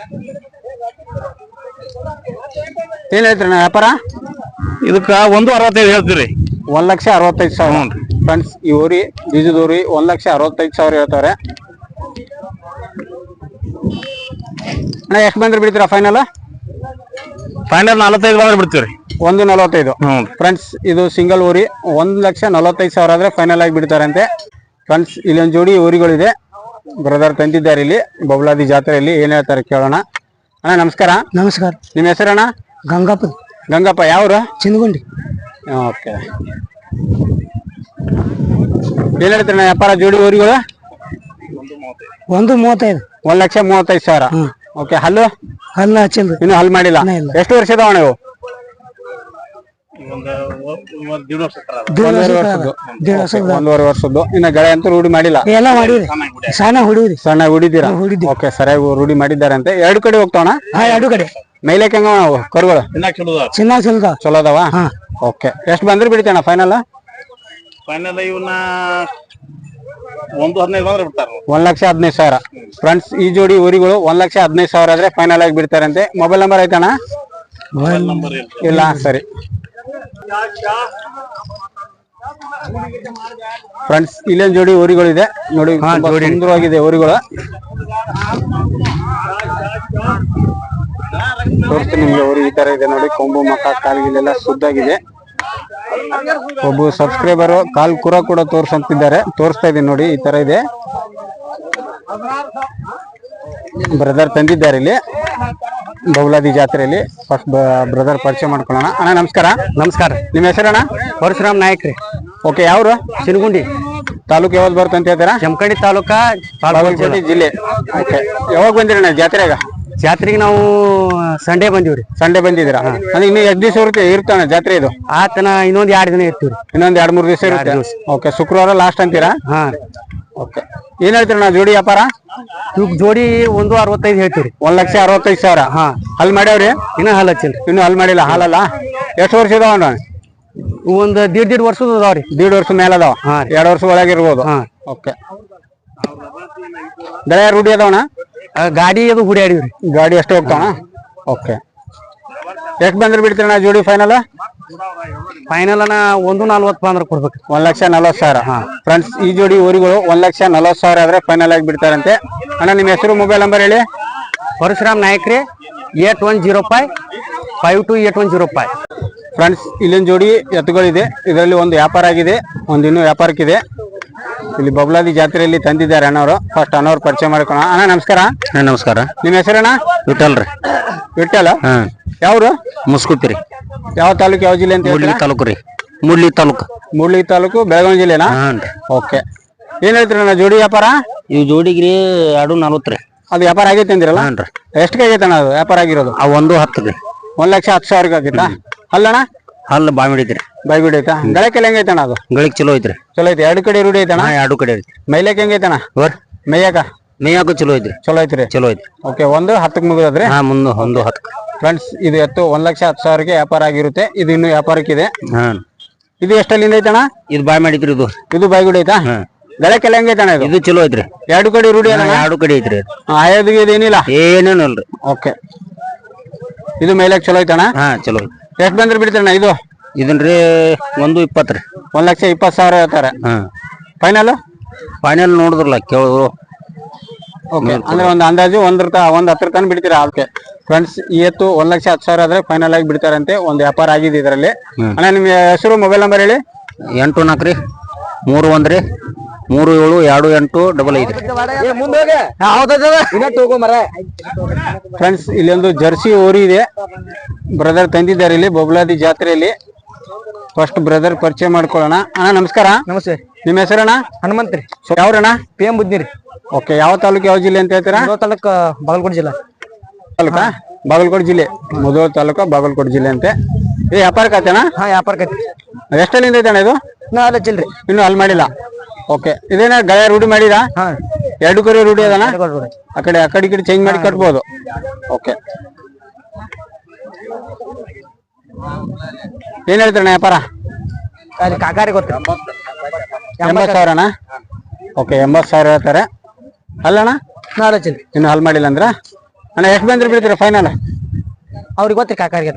S1: ಏನ್ ಹೇಳ್ತೀರಿ ನಾ ವ್ಯಾಪಾರ?
S5: ಇದಕ್ಕ ಒಂದು ಅರವತ್ತೈದು ಹೇಳ್ತೀರಿ.
S1: ಒಂದ್ ಲಕ್ಷ ಅರವತ್ತೈದು ಸಾವಿರ. ಫ್ರೆಂಡ್ಸ್, ಈ ಊರಿ ಬೀಜದೂರಿ ಒಂದ್ ಲಕ್ಷ ಅರವತ್ತೈದು ಸಾವಿರ ಹೇಳ್ತಾರೆ. ಅಣ್ಣ ಎಷ್ಟು ಬಂದ್ರೆ ಬಿಡ್ತೀರಾ ಫೈನಲ್?
S5: ಫೈನಲ್ ನಲವತ್ತೈದು ಬಂದ್ರೆ ಬಿಡ್ತೀವ್ರಿ.
S1: ಒಂದು ನಲವತ್ತೈದು. ಫ್ರೆಂಡ್ಸ್, ಇದು ಸಿಂಗಲ್ ಊರಿ ಒಂದ್ ಲಕ್ಷ ನಲವತ್ತೈದು ಸಾವಿರ ಆದ್ರೆ ಫೈನಲ್ ಆಗಿ ಬಿಡ್ತಾರಂತೆ. ಫ್ರೆಂಡ್ಸ್, ಇಲ್ಲೊಂದು ಜೋಡಿ ಊರಿಗಳಿದೆ. ಬ್ರದರ್ ತಂದಿದ್ದಾರೆ ಇಲ್ಲಿ ಬಬುಲಾದಿ ಜಾತ್ರೆಯಲ್ಲಿ. ಏನ್ ಹೇಳ್ತಾರೆ ಕೇಳೋಣ. ಅಣ್ಣ ನಮಸ್ಕಾರ.
S2: ನಮಸ್ಕಾರ.
S1: ನಿಮ್ಮ ಹೆಸರಣ್ಣ?
S2: ಗಂಗಪ್ಪ.
S1: ಗಂಗಪ್ಪ. ಯಾವ್ರು?
S2: ಚಿಂದಗುಂಡಿ.
S1: ಓಕೆ, ಏನ್ ಹೇಳ್ತೀರಣ್ಣ ವ್ಯಾಪಾರ ಜೋಡಿ ಊರಿಗಳು?
S6: ಒಂದು ಮೂವತ್ತೈದು
S1: ಒಂದ್ ಲಕ್ಷ ಮೂವತ್ತೈದು ಸಾವಿರ ಓಕೆ ಹಲ್ಲು
S6: ಹಲ್ಲ ಹಚ್ಚಿಲ್ರಿ
S1: ಇನ್ನು ಹಲ್ ಮಾಡಿಲ್ಲ ಎಷ್ಟು ವರ್ಷದ ಅಣ್ಣ ಇವು ಒಂದೂವರೆ ವರ್ಷದ್ದು ಒಂದೂವರೆ ವರ್ಷದ್ದು ಇನ್ನ ಗಳೆ ಅಂತೂ ರೂಢಿ ಮಾಡಿಲ್ಲ
S6: ಎಲ್ಲ ಮಾಡಿವ್ರಿ ಸಣ್ಣ ಹುಡುಗ್ರಿ
S1: ಸಣ್ಣ ಹುಡಿದಿರಾ ಓಕೆ ಸರಿಯಾಗಿ ರೂಢಿ ಮಾಡಿದ್ದಾರೆ ಅಂತ ಎರಡು ಕಡೆ ಹೋಗ್ತಾವಣ
S6: ಹಾ ಎರಡು ಕಡೆ
S1: ಮೇಲೆಕ್ ಹೆಂಗ ನಾವು ಕರುಗಳು
S6: ಚಿನ್ನ ಚಿಲ್ದ
S1: ಚಲೋ ಅದಾವ ಓಕೆ ಎಷ್ಟು ಬಂದ್ರೆ ಬಿಡ್ತೇಣ ಫೈನಲ್
S5: ಫೈನಲ್ ಇವನ್ನ ಒಂದು ಹದಿನೈದು ಬಂದ್ರೆ ಬಿಡ್ತಾರ
S1: ಒಂದ್ ಲಕ್ಷ ಹದಿನೈದು ಸಾವಿರ ಫ್ರೆಂಡ್ಸ್ ಈ ಜೋಡಿ ಊರಿಗಳು ಒಂದ್ ಲಕ್ಷ ಹದಿನೈದು ಸಾವಿರ ಆದ್ರೆ ಫೈನಲ್ ಆಗಿ ಬಿಡ್ತಾರಂತೆ ಮೊಬೈಲ್ ನಂಬರ್ ಐತಣ್ಣ ಇಲ್ಲ ಸರಿ ಫ್ರೆಂಡ್ಸ್ ಇಲ್ಲೊಂದು ಜೋಡಿ ಊರಿಗಳು ಇದೆ ನೋಡಿ ಸುಂದರವಾಗಿದೆ ಊರಿಗಳು ತೋರಿಸ್ತೀನಿ ನಿಮ್ಗೆ ಊರಿ ಈ ತರ ಇದೆ ನೋಡಿ ಕೊಂಬು ಮಕ್ಕ ಕಾಲ್ಗಿಲೆಲ್ಲ ಸುದ್ದಾಗಿದೆ ಒಬ್ಬ ಸಬ್ಸ್ಕ್ರೈಬರ್ ಕಾಲ್ ಕುರ ಕೂಡ ತೋರ್ಸಂತಿದ್ದಾರೆ ತೋರಿಸ್ತಾ ಇದೀನಿ ನೋಡಿ ಈ ತರ ಇದೆ ಬ್ರದರ್ ತಂದಿದ್ದಾರೆ ಇಲ್ಲಿ ಬೌಲಾದಿ ಜಾತ್ರೆಯಲ್ಲಿ ಫಸ್ಟ್ ಬ್ರದರ್ ಪರಿಚಯ ಮಾಡ್ಕೊಳ್ಳೋಣ ಅಣ್ಣ ನಮಸ್ಕಾರ
S4: ನಮಸ್ಕಾರ
S1: ನಿಮ್ಮ ಹೆಸರಣ್ಣ
S4: ಪರಶುರಾಮ್ ನಾಯಕ್ ರೀ
S1: ಓಕೆ ಯಾವ್ರು
S4: ಶಿನಗುಂಡಿ
S1: ತಾಲೂಕು ಯಾವ್ದು ಬರುತ್ತೆ ಅಂತ ಹೇಳ್ತೀರಾ
S4: ಜಮಖಂಡಿ ತಾಲೂಕಾ
S1: ಬಾಗಲಕೋಟೆ ಜಿಲ್ಲೆ ಓಕೆ ಯಾವಾಗ ಬಂದಿರಣ್ಣ ಜಾತ್ರೆಗ
S4: ಜಾತ್ರೆಗೆ ನಾವು ಸಂಡೇ ಬಂದಿವ್ರಿ
S1: ಸಂಡೆ ಬಂದಿದ್ದೀರಾ ಅಂದ್ರೆ ಇನ್ನು ಎಷ್ಟು ದಿವಸ ಇರುತ್ತೆ ಇರ್ತಾನೆ ಜಾತ್ರೆ ಇದು
S4: ಆತನ ಇನ್ನೊಂದ್ ಎರಡ್ ದಿನ ಇರ್ತೀವ್ರಿ
S1: ಇನ್ನೊಂದ್ ಎರಡ್ ಮೂರ್ ದಿವಸ ಇರುತ್ತೆ ಓಕೆ ಶುಕ್ರವಾರ ಲಾಸ್ಟ್ ಅಂತೀರಾ
S4: ಹಾ
S1: ಓಕೆ ಏನ್ ಹೇಳ್ತೀರಣ್ಣ ಜೋಡಿ ವ್ಯಾಪಾರ
S4: ಇವ್ ಜೋಡಿ ಒಂದು ಅರವತ್ತೈದು ಹೇಳ್ತೀವ್ರಿ
S1: ಒಂದ್ ಲಕ್ಷ ಅರವತ್ತೈದು ಸಾವಿರ
S4: ಹಾ
S1: ಹಲ್ ಮಾಡ್ಯಾವ್ರಿ
S4: ಇನ್ನ ಹಾಲ್ ಹಚ್ಚಿಲ್ರಿ
S1: ಇನ್ನು ಹಲ್ ಮಾಡಿಲ್ಲ ಹಾಲಲ್ಲ ಎಷ್ಟು ವರ್ಷ ಇದಾವ
S4: ಒಂದ್ ದೀಡ್ ದೀಡ್ ವರ್ಷದ ಅದಾವ್ರಿ
S1: ದೀಡ್ ವರ್ಷ ಮೇಲೆ ಅದಾವ
S4: ಹಾ
S1: ಎರಡ್ ವರ್ಷ ಒಳಗೆ ಇರ್ಬೋದು
S4: ಹಾ
S1: ಓಕೆ ಗಳೆ ರೂಢಿ ಅದಾವಣ
S4: ಗಾಡಿ ಅದು ಹುಡಿಯಾಡಿವ್ರಿ
S1: ಗಾಡಿ ಎಷ್ಟು ಹೋಗ್ತಾವಣ ಓಕೆ ಎಷ್ಟು ಬಂದ್ರೆ ಬಿಡ್ತೀರಣ್ಣ ಜೋಡಿ ಫೈನಲ್
S4: ಫೈನಲ್ ಅನ್ನ ಒಂದು ನಲ್ವತ್ತು ಬಂದ್ರೆ ಕೊಡ್ಬೇಕು
S1: ಒಂದ್ ಲಕ್ಷ ನಲ್ವತ್ತು ಸಾವಿರ ಫ್ರೆಂಡ್ಸ್ ಈ ಜೋಡಿ ಊರಿಗಳು ಒಂದ್ ಲಕ್ಷ ನಲ್ವತ್ತು ಸಾವಿರ ಆದ್ರೆ ಫೈನಲ್ ಆಗಿ ಬಿಡ್ತಾರಂತೆ ಅಣ್ಣ ನಿಮ್ಮ ಹೆಸರು ಮೊಬೈಲ್ ನಂಬರ್ ಹೇಳಿ
S4: ಪರಶುರಾಮ್ ನಾಯಕ್ ರೀ eight one zero five five two eight one zero five
S1: friends ಇಲ್ಲೊಂದು ಜೋಡಿ ಎತ್ತುಗಳಿದೆ ಇದರಲ್ಲಿ ಒಂದು ವ್ಯಾಪಾರ ಆಗಿದೆ ಒಂದು ಇನ್ನೂ ವ್ಯಾಪಾರಕ್ಕಿದೆ ಇಲ್ಲಿ ಬಬ್ಲಾದಿ ಜಾತ್ರೆಯಲ್ಲಿ ತಂದಿದ್ದಾರೆ ಅಣ್ಣವರು ಫಸ್ಟ್ ಅಣ್ಣವ್ರು ಪರಿಚಯ ಮಾಡ್ಕೋಣ ಅಣ್ಣ ನಮಸ್ಕಾರ
S5: ನಮಸ್ಕಾರ
S1: ನಿಮ್ಮ ಹೆಸರಣ್ಣ
S5: ವಿಠಲ್ ರೀ
S1: ವಿಠಲ
S5: ಹ್ಮ್
S1: ಯಾವ್ರು
S5: ಮುಸ್ಕುತಿ ರೀ
S1: ಯಾವ ತಾಲೂಕು ಯಾವ ಜಿಲ್ಲೆ ಅಂತ
S5: ಮೂಡ್ಲಿ
S1: ಹೇಳ್ತೀರಾ
S5: ತಾಲೂಕು ರೀ ಮೂಡ್ಲಿ ತಾಲೂಕು
S1: ಮೂಡ್ಲಿ ತಾಲೂಕು ಬೆಳಗಾವಿ ಜಿಲ್ಲೆನಾ
S5: ಹಾನ್ ರೀ
S1: ಓಕೆ ಏನ್ ಹೇಳ್ತೀರಣ್ಣ ಜೋಡಿ ವ್ಯಾಪಾರ
S5: ಇವ್ ಜೋಡಿಗ್ರಿ ಎರಡು ನಲ್ವತ್ತು ರೀ
S1: ಅದು ವ್ಯಾಪಾರ ಆಗೈತೆ ಅಂದಿರಲ್ಲ
S5: ಹಾನ್ ರೀ
S1: ಎಷ್ಟಿಗೆ ಆಗೈತೆ ಅಣ್ಣ ಅದು ವ್ಯಾಪಾರ ಆಗಿರೋದು
S5: ಆ ಒಂದು ಹತ್ತು ರೀ
S1: ಒಂದ್ ಲಕ್ಷ ಹತ್ತು ಸಾವಿರಕ್ಕೆ ಆಗೈತಾ ಅಲ್ಲಣ್ಣ
S5: ಹಲ್ಲು ಬಾಯ್ ಹಿಡಿತ್ರಿ
S1: ಬೈಗುಡಿ ಐತಾ ಗಳಕ್ಕೆಲ್ಲ ಹೆಂಗೈತಣ್ಣ ಅದು
S5: ಗಳಿಗೆ ಚಲೋ ಐತ್ರಿ
S1: ಚಲೋ ಐತಿ ಎರಡು ಕಡೆ ರೂಢಿ ಐತಣ್ಣ
S5: ಹಾ ಎರಡು ಕಡೆ ಐತ್ರಿ
S1: ಮೈಲಕ್ ಹೆಂಗೈತಣ್ಣ
S5: ಹೋರ್
S1: ಮೇಯಾಕ
S5: ಮೇಯಾಕು ಚಲೋ ಐತ್ರಿ
S1: ಚಲೋ ಐತ್ರಿ
S5: ಚಲೋ ಐತ್ರಿ
S1: ಓಕೆ ಒಂದು ಹತ್ತಕ್ಕೆ ಮುಗಿದ್ರಿ
S5: ಹಾ ಮುಂದೆ ಒಂದು ಹತ್ತು
S1: ಫ್ರೆಂಡ್ಸ್ ಇದು ಎತ್ತು ಒಂದ್ ಲಕ್ಷ ಹತ್ತು ಸಾವಿರಕ್ಕೆ ವ್ಯಾಪಾರ ಆಗಿರುತ್ತೆ ಇದು ಇನ್ನು ವ್ಯಾಪಾರಕ್ಕಿದೆ
S5: ಹಾ
S1: ಇದು ಎಷ್ಟಲ್ಲಿಂದ ಐತಣ್ಣ
S5: ಇದು ಬಾಯ್ ಮಾಡಿದ್ರಿ ಇದು
S1: ಇದು ಬೈಗುಡಿ ಐತಾ
S5: ಹಾ
S1: ಗಳಕ್ಕೆಲ್ಲ ಹೆಂಗೈತಣ್ಣ ಇದು
S5: ಇದು ಚಲೋ ಐತ್ರಿ
S1: ಎರಡು ಕಡೆ ರೂಢಿ ಅಣ್ಣ
S5: ಎರಡು ಕಡೆ ಐತ್ರಿ
S1: ಆಯೋದಿಗೆ ಇದೇನಿಲ್ಲ
S5: ಏನೇನು ಅಲ್ರಿ
S1: ಓಕೆ ಇದು ಮೇಲಕ್ ಚಲೋ ಐತಣ್ಣ
S5: ಹಾ ಚಲೋ ಐತಿ
S1: ಎಷ್ಟು ಬಂದ್ರೆ ಬಿಡ್ತಾರಣ್ಣ ಇದು
S5: ಇದನ್ರಿ ಒಂದು ಇಪ್ಪತ್ತು ರೀ
S1: ಒಂದ್ ಲಕ್ಷ ಇಪ್ಪತ್ತು ಸಾವಿರ ಹೇಳ್ತಾರೆ
S5: ಹಾ
S1: ಫೈನಲ್
S5: ಫೈನಲ್ ನೋಡಿದ್ರಲ್ಲ ಕೇಳಿದ್ರು
S1: ಓಕೆ ಅಂದ್ರೆ ಒಂದು ಅಂದಾಜು ಒಂದ್ರ ತ ಒಂದ್ ಹತ್ರ ತನಕ ಬಿಡ್ತೀರಾ ಓಕೆ ಫ್ರೆಂಡ್ಸ್ ಈ ಎತ್ತು ಒಂದ್ ಲಕ್ಷ ಹತ್ತು ಸಾವಿರ ಆದ್ರೆ ಫೈನಲ್ ಆಗಿ ಬಿಡ್ತಾರಂತೆ ಒಂದು ವ್ಯಾಪಾರ ಆಗಿದೆ ಇದರಲ್ಲಿ ಅಣ್ಣ ನಿಮ್ಮ ಹೆಸರು ಮೊಬೈಲ್ ನಂಬರ್ ಹೇಳಿ
S5: ಎಂಟು ನಾಲ್ಕು ರೀ ಮೂರು ಒಂದ್ ರೀ ಮೂರು ಏಳು ಎರಡು ಎಂಟು ಡಬಲ್ ಐದು
S1: ಫ್ರೆಂಡ್ಸ್ ಇಲ್ಲಿ ಒಂದು ಜರ್ಸಿ ಓರಿ ಇದೆ ಬ್ರದರ್ ತಂದಿದ್ದಾರೆ ಇಲ್ಲಿ ಬೊಬ್ಲಾದಿ ಜಾತ್ರೆಯಲ್ಲಿ ಫಸ್ಟ್ ಬ್ರದರ್ ಪರಿಚಯ ಮಾಡ್ಕೊಳ್ಳೋಣ ಅಣ್ಣ ನಮಸ್ಕಾರ
S6: ನಮಸ್ತೆ
S1: ನಿಮ್ಮ ಹೆಸರಣ್ಣ
S6: ಹನುಮಂತ್ ರೀ
S1: ಯಾವ್ರಣ್ಣ
S6: ಪಿ ಎಂ ಬುದ್ನಿ ರೀ
S1: ಓಕೆ ಯಾವ ತಾಲೂಕು ಯಾವ ಜಿಲ್ಲೆ ಅಂತ ಹೇಳ್ತೀರಾ
S6: ತಾಲೂಕ್ ಬಾಗಲಕೋಟೆ ಜಿಲ್ಲಾ
S1: ತಾಲೂಕಾ ಬಾಗಲಕೋಟೆ ಜಿಲ್ಲೆ ಮುಧೋಳ ತಾಲೂಕು ಬಾಗಲಕೋಟೆ ಜಿಲ್ಲೆ ಅಂತೆ ಏ ವ್ಯಾಪಾರಕ್ಕೆ ಆತಣ್ಣ
S6: ಹಾ ವ್ಯಾಪಾರ
S1: ಎಷ್ಟಲ್ಲಿಂದ ಐತಣ್ಣ ಇದು
S6: ನಾ ಹಚ್ಚಿಲ್ರಿ
S1: ಇನ್ನು ಅಲ್ಲಿ ಮಾಡಿಲ್ಲ ಓಕೆ ಇದೇನ ಗಯ ರೂಢಿ ಮಾಡಿರಾ
S6: ಹಾ
S1: ಎರಡು ಕಡೆ ರೂಢಿ ಅದಣ್ಣ ಆ ಕಡೆ ಆ ಕಡೆ ಈ ಕಡೆ ಚೇಂಜ್ ಮಾಡಿ ಕಟ್ಬೋದು ಓಕೆ ಏನ್ ಹೇಳ್ತಾರಣ್ಣ ವ್ಯಾಪಾರ
S6: ಅಲ್ಲಿ ಕಾಕಾರಿ ಗೊತ್ತ
S1: ಎಂಬತ್ತು ಸಾವಿರಣ್ಣ ಓಕೆ ಎಂಬತ್ತು ಸಾವಿರ ಹೇಳ್ತಾರೆ ಅಲ್ಲಣ್ಣ
S6: ನಾ ಹಚ್ಚಿಲ್ರಿ
S1: ಇನ್ನು ಹಲ್ ಮಾಡಿಲ್ಲ ಅಂದ್ರ ಅಣ್ಣ ಎಷ್ಟು ಬಂದ್ರೆ ಬಿಡ್ತೀರಾ ಫೈನಲ್
S6: ಅವ್ರಿಗೆ ಗೊತ್ತ್ರಿ ಕಾಕಾರಿಗೆ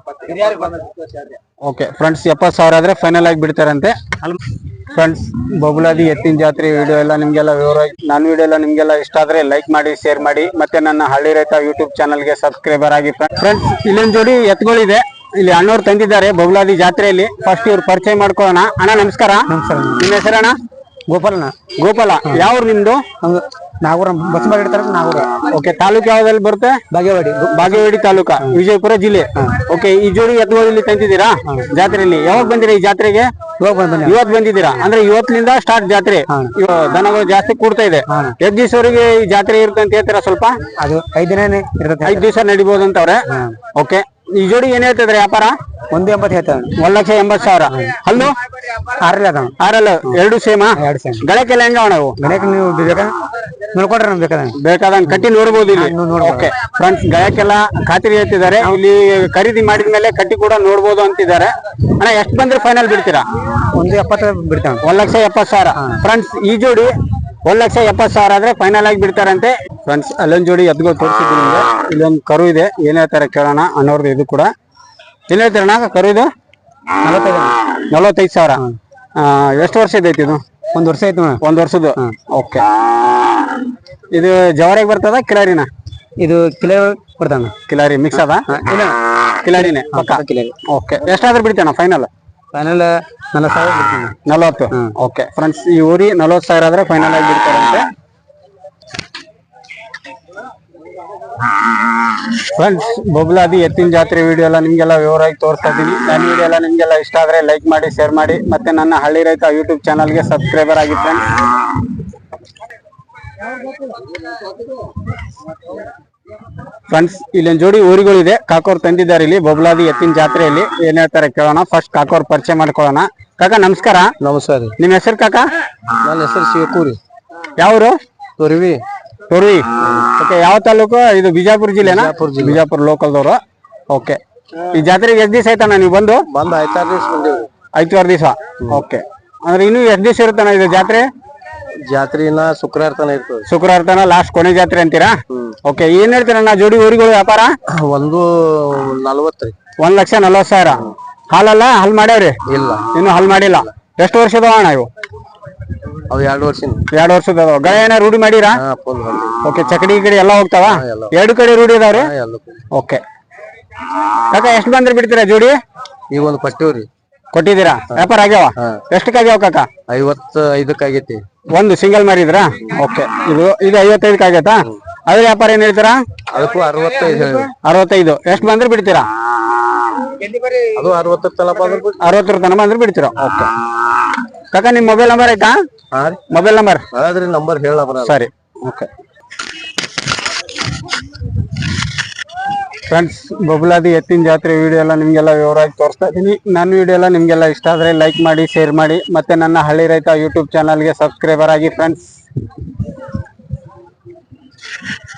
S1: ಓಕೆ ಫ್ರೆಂಡ್ಸ್ ಎಪ್ಪತ್ತು ಸಾವಿರ ಆದ್ರೆ ಫೈನಲ್ ಆಗಿ ಬಿಡ್ತಾರಂತೆ ಫ್ರೆಂಡ್ಸ್ ಬಬುಲಾದಿ ಎತ್ತಿನ ಜಾತ್ರೆ ವಿಡಿಯೋ ಎಲ್ಲ ನಿಮ್ಗೆಲ್ಲ ವಿವರ ನನ್ನ ವಿಡಿಯೋ ಎಲ್ಲ ನಿಮ್ಗೆಲ್ಲ ಇಷ್ಟ ಆದ್ರೆ ಲೈಕ್ ಮಾಡಿ ಶೇರ್ ಮಾಡಿ ಮತ್ತೆ ನನ್ನ ಹಳ್ಳಿ ರೈತ ಯೂಟ್ಯೂಬ್ ಚಾನಲ್ಗೆ ಸಬ್ಸ್ಕ್ರೈಬರ್ ಆಗಿ ಫ್ರೆಂಡ್ಸ್ ಇಲ್ಲೊಂದು ಜೋಡಿ ಎತ್ತುಗಳಿದೆ ಇಲ್ಲಿ ಅಣ್ಣವ್ರು ತಂದಿದ್ದಾರೆ ಬಬುಲಾದಿ ಜಾತ್ರೆಯಲ್ಲಿ ಫಸ್ಟ್ ಇವ್ರು ಪರಿಚಯ ಮಾಡ್ಕೊಳ್ಳೋಣ ಅಣ್ಣ ನಮಸ್ಕಾರ ನಮಸ್ಕಾರ ನಿಮ್ಮ ಹೆಸರಣ್ಣ
S6: ಗೋಪಾಲಣ್ಣ
S1: ಗೋಪಾಲ ಯಾವ ನಿಮ್ದು
S6: ನಾಗೂರ ಬಸಂಬಾಗಿ ಇಡ್ತಾರ ನಾಗೂರ.
S1: ಓಕೆ, ತಾಲೂಕು ಯಾವ್ದಲ್ಲಿ ಬರುತ್ತೆ?
S6: ಬಾಗೇವಾಡಿ.
S1: ಬಾಗೇವಾಡಿ ತಾಲೂಕಾ, ವಿಜಯಪುರ ಜಿಲ್ಲೆ. ಓಕೆ, ಈ ಜೋಡಿ ಎತ್ತುಗಳು ಇಲ್ಲಿ ತಂದಿದ್ದೀರಾ ಜಾತ್ರೆಯಲ್ಲಿ? ಯಾವಾಗ ಬಂದಿರಾ ಈ ಜಾತ್ರೆಗೆ?
S6: ಇವಾಗ ಬಂದ
S1: ಇವತ್ ಬಂದಿದ್ದೀರಾ ಅಂದ್ರೆ ಇವತ್ತಿನಿಂದ ಸ್ಟಾರ್ಟ್ ಜಾತ್ರೆ. ಇವ ದನಗಳು ಜಾಸ್ತಿ ಕೂಡ್ತಾ ಇದೆ. ಎಷ್ಟ್ ದಿವಸವರೆಗೆ ಈ ಜಾತ್ರೆ ಇರುತ್ತೆ ಅಂತ ಹೇಳ್ತೀರಾ ಸ್ವಲ್ಪ?
S6: ಅದು ಐದ್ ದಿನ ಇರ್ತದೆ.
S1: ಐದ್ ದಿವಸ ನಡಿಬಹುದು ಅಂತವ್ರೆ. ಓಕೆ, ಈ ಜೋಡಿ ಏನ್ ಹೇಳ್ತಿದ್ರೆ ವ್ಯಾಪಾರ?
S6: ಒಂದು ಎಂಬತ್ತು ಹೇಳ್ತಾವ.
S1: ಒಂದ್ ಲಕ್ಷ ಎಂಬತ್ ಸಾವಿರ. ಹಲ್ಲು
S6: ಆರಲ್ಲ ಅದಾವ.
S1: ಆರಲ್ಲ ಎರಡು ಸೇಮಾ?
S6: ಎರಡು ಸೇಮ್.
S1: ಗಳಕ್ಕೆಲ್ಲ ಹೆಂಗ ನಾವು
S6: ಗಣಕ ನೀವು ಬೇಕಾ ನೋಡ್ಕೊಂಡ್ರೆ ನಮ್ಗೆ ಬೇಕಾದಂಗ
S1: ಬೇಕಾದಂಗ ಕಟ್ಟಿ ನೋಡ್ಬೋದು ಇಲ್ಲಿ. ಓಕೆ ಫ್ರೆಂಡ್ಸ್, ಗಳಕ್ಕೆಲ್ಲ ಖಾತ್ರಿ ಹೇಳ್ತಿದ್ದಾರೆ. ಇಲ್ಲಿ ಖರೀದಿ ಮಾಡಿದ್ಮೇಲೆ ಕಟ್ಟಿ ಕೂಡ ನೋಡ್ಬೋದು ಅಂತಿದ್ದಾರೆ. ಅಣ್ಣ ಎಷ್ಟು ಬಂದ್ರೆ ಫೈನಲ್ ಬಿಡ್ತೀರಾ?
S6: ಒಂದು ಎಪ್ಪತ್ತು ಬಿಡ್ತಾವ.
S1: ಒಂದ್ ಲಕ್ಷ ಎಪ್ಪತ್ ಸಾವಿರ. ಫ್ರೆಂಡ್ಸ್, ಈ ಜೋಡಿ ಒಂದ್ ಲಕ್ಷ ಎಪ್ಪತ್ ಸಾವಿರ ಆದ್ರೆ ಫೈನಲ್ ಆಗಿ ಬಿಡ್ತಾರಂತೆ. ಫ್ರೆಂಡ್ಸ್, ಅಲ್ಲೊಂದ್ ಜೋಡಿ ಎತ್ಗಳು ತೋರಿಸಿದ್ರು ನಿಮ್ಗೆ. ಇಲ್ಲೊಂದು ಕರು ಇದೆ, ಏನ್ ಹೇಳ್ತಾರೆ ಕೇಳೋಣ ಅನ್ನೋರ್ದು. ಇದು ಕೂಡ ಏನ್ ಹೇಳ್ತಾರಣ್ಣ ಕರು? ಇದು
S6: ನಲವತ್ತೈದು
S1: ನಲವತ್ತೈದು ಸಾವಿರ. ಎಷ್ಟು ವರ್ಷ ಇದೈತಿ ಇದು?
S6: ಒಂದ್ ವರ್ಷ ಆಯ್ತು.
S1: ಒಂದ್ ವರ್ಷದ್ದು. ಓಕೆ, ಇದು ಜವಾರಿಗೆ ಬರ್ತದ ಕಿಲಾರಿನ?
S6: ಇದು ಕಿಲೋ ಕೊಡ್ತಾನ.
S1: ಕಿಲಾರಿ ಮಿಕ್ಸ್ ಅದ?
S6: ಇಲ್ಲ,
S1: ಕಿಲಾರಿನೇ ಪಕ್ಕ.
S6: ಕಿಲೋ.
S1: ಓಕೆ, ಎಷ್ಟಾದ್ರೂ ಬಿಡ್ತೇನ ಫೈನಲ್?
S6: ಫೈನಲ್ ನಲವತ್ತು ಸಾವಿರ ಬಿಡ್ತಾನ.
S1: ನಲವತ್ತು. ಓಕೆ ಫ್ರೆಂಡ್ಸ್, ಈ ಊರಿ ನಲವತ್ತು ಸಾವಿರ ಆದ್ರೆ ಫೈನಲ್ ಆಗಿ ಬಿಡ್ತಾರಂತೆ. ಫ್ರೆಂಡ್ಸ್, ಬೊಬ್ಲಾದಿ ಎತ್ತಿನ ಜಾತ್ರೆ ವಿಡಿಯೋ ಎಲ್ಲ ನಿಮ್ಗೆಲ್ಲ ವಿವರವಾಗಿ ತೋರಿಸ್ತಾ ಇದ್ದೀನಿ. ನನ್ನ ವಿಡಿಯೋ ಎಲ್ಲ ನಿಮ್ಗೆಲ್ಲ ಇಷ್ಟ ಆದ್ರೆ ಲೈಕ್ ಮಾಡಿ, ಶೇರ್ ಮಾಡಿ, ಮತ್ತೆ ನನ್ನ ಹಳ್ಳಿ ರೈತ ಯೂಟ್ಯೂಬ್ ಚಾನಲ್ಗೆ ಸಬ್ಸ್ಕ್ರೈಬರ್ ಆಗಿ ಫ್ರೆಂಡ್ಸ್. ಫ್ರೆಂಡ್ಸ್, ಇಲ್ಲೊಂದು ಜೋಡಿ ಊರುಗಳಿದೆ, ಕಾಕೋರ್ ತಂದಿದ್ದಾರೆ ಇಲ್ಲಿ ಬೊಬ್ಲಾದಿ ಎತ್ತಿನ ಜಾತ್ರೆಯಲ್ಲಿ. ಏನ್ ಹೇಳ್ತಾರೆ ಕೇಳೋಣ. ಫಸ್ಟ್ ಕಾಕೋರ್ ಪರಿಚಯ ಮಾಡ್ಕೊಳ್ಳೋಣ. ಕಾಕ ನಮಸ್ಕಾರ.
S3: ನಮಸ್ಕಾರ.
S1: ನಿಮ್ ಹೆಸರು ಕಾಕ?
S3: ನನ್ನ ಹೆಸರು ಶಿವಕೂರಿ.
S1: ಯಾವ್ರು?
S3: ತೊರವಿ.
S1: ತೊರವಿ. ಓಕೆ, ಯಾವ ತಾಲೂಕು ಇದು? ಬಿಜಾಪುರ ಜಿಲ್ಲೆನಾ? ಬಿಜಾಪುರ ಲೋಕಲ್ದವ್ರು. ಓಕೆ, ಈ ಜಾತ್ರೆಗೆ ಎಷ್ಟ್ ದಿವಸ ಆಯ್ತಣ್ಣ ನೀವು ಬಂದು?
S3: ಬಂದ್ ಐತಾರು ದಿವಸ ಬಂದೇವಿ.
S1: ಐದಾರು ದಿವಸ. ಓಕೆ, ಅಂದ್ರೆ ಇನ್ನು ಎಷ್ಟ್ ದಿವಸ ಇರುತ್ತಣ್ಣ ಇದು ಜಾತ್ರೆ?
S3: ಜಾತ್ರೆನ ಶುಕ್ರವಾರ ತನ ಇರ್ತದೆ.
S1: ಶುಕ್ರವಾರ ತನ ಲಾಸ್ಟ್ ಕೊನೆ ಜಾತ್ರೆ ಅಂತೀರಾ? ಓಕೆ, ಏನ್ ಹೇಳ್ತೀರಣ್ಣ ಜೋಡಿ ಊರಿಗಳು ವ್ಯಾಪಾರ?
S3: ಒಂದು ನಲ್ವತ್ತ್ರಿ.
S1: ಒಂದ್ ಲಕ್ಷ ನಲ್ವತ್ ಸಾವಿರ. ಹಾಲಲ್ಲ ಹಾಲ್ ಮಾಡ್ಯಾವ್ರಿ?
S3: ಇಲ್ಲ,
S1: ಇನ್ನು ಹಾಲ್ ಮಾಡಿಲ್ಲ. ಎಷ್ಟು ವರ್ಷದವ ಅಣ್ಣ ಇವು?
S3: ಅವ್ ಎರಡು ವರ್ಷ.
S1: ಎರಡು ವರ್ಷದ ಗಳ ಏನ ರೂಢಿ ಮಾಡಿರಾ? ಓಕೆ, ಚಕಡಿ ಕಡೆ ಎಲ್ಲ ಹೋಗ್ತಾವ? ಎರಡು ಕಡೆ ರೂಢಿ ಅದಾವ್ರಿ? ಓಕೆ ಕಾಕ, ಎಷ್ಟು ಬಂದ್ರೆ ಬಿಡ್ತೀರಾ ಜೋಡಿ?
S3: ಈಗ ಒಂದು ಪಟ್ಟಿವ್ರಿ.
S1: ಕೊಟ್ಟಿದ್ದೀರಾ? ವ್ಯಾಪಾರ ಆಗ್ಯಾವ? ಎಷ್ಟಕ್ಕಾಗ್ಯಾವ ಕಾಕ?
S3: ಐವತ್ತ ಐದಕ್ಕೆ ಆಗೈತಿ.
S1: ಒಂದು ಸಿಂಗಲ್ ಮಾರಿದ್ರಾ? ಓಕೆ, ಇದು ಇದು ಐವತ್ತೈದಕ್ಕೆ ಆಗೈತಾ? ಅದ್ರ ವ್ಯಾಪಾರ ಏನ್ ಹೇಳ್ತೀರಾ?
S3: ಅದಕ್ಕೂ ಅರವತ್ತೈದು.
S1: ಅರವತ್ತೈದು. ಎಷ್ಟು ಬಂದ್ರೆ ಬಿಡ್ತೀರಾ?
S3: ಅದು ಅರವತ್ತರ ತನಕ ಬಂದ್ರೆ
S1: ಅರವತ್ತರ ತನಕ ಬಂದ್ರೆ ಬಿಡ್ತೀರಾ? ಓಕೆ ಕಾಕ, ನಿಮ್ ಮೊಬೈಲ್ ನಂಬರ್ ಆಯ್ತಾ?
S3: ಹಾ ರೀ,
S1: ಮೊಬೈಲ್ ನಂಬರ್
S3: ಅದ್ರಿ ನಂಬರ್ ಹೇಳ.
S1: ಸರಿ. ಓಕೆ ಫ್ರೆಂಡ್ಸ್, ಬೊಬ್ಲಾದಿ ಎತ್ತಿನ ಜಾತ್ರೆ ವಿಡಿಯೋ ಎಲ್ಲ ನಿಮ್ಗೆಲ್ಲ ವಿವರವಾಗಿ ತೋರಿಸ್ತಾ ಇದ್ದೀನಿ. ನನ್ನ ವಿಡಿಯೋ ಎಲ್ಲ ನಿಮ್ಗೆಲ್ಲ ಇಷ್ಟ ಆದ್ರೆ ಲೈಕ್ ಮಾಡಿ, ಶೇರ್ ಮಾಡಿ, ಮತ್ತೆ ನನ್ನ ಹಳ್ಳಿ ರೈತ ಯೂಟ್ಯೂಬ್ ಚಾನಲ್ಗೆ ಸಬ್ಸ್ಕ್ರೈಬರ್ ಆಗಿ ಫ್ರೆಂಡ್ಸ್.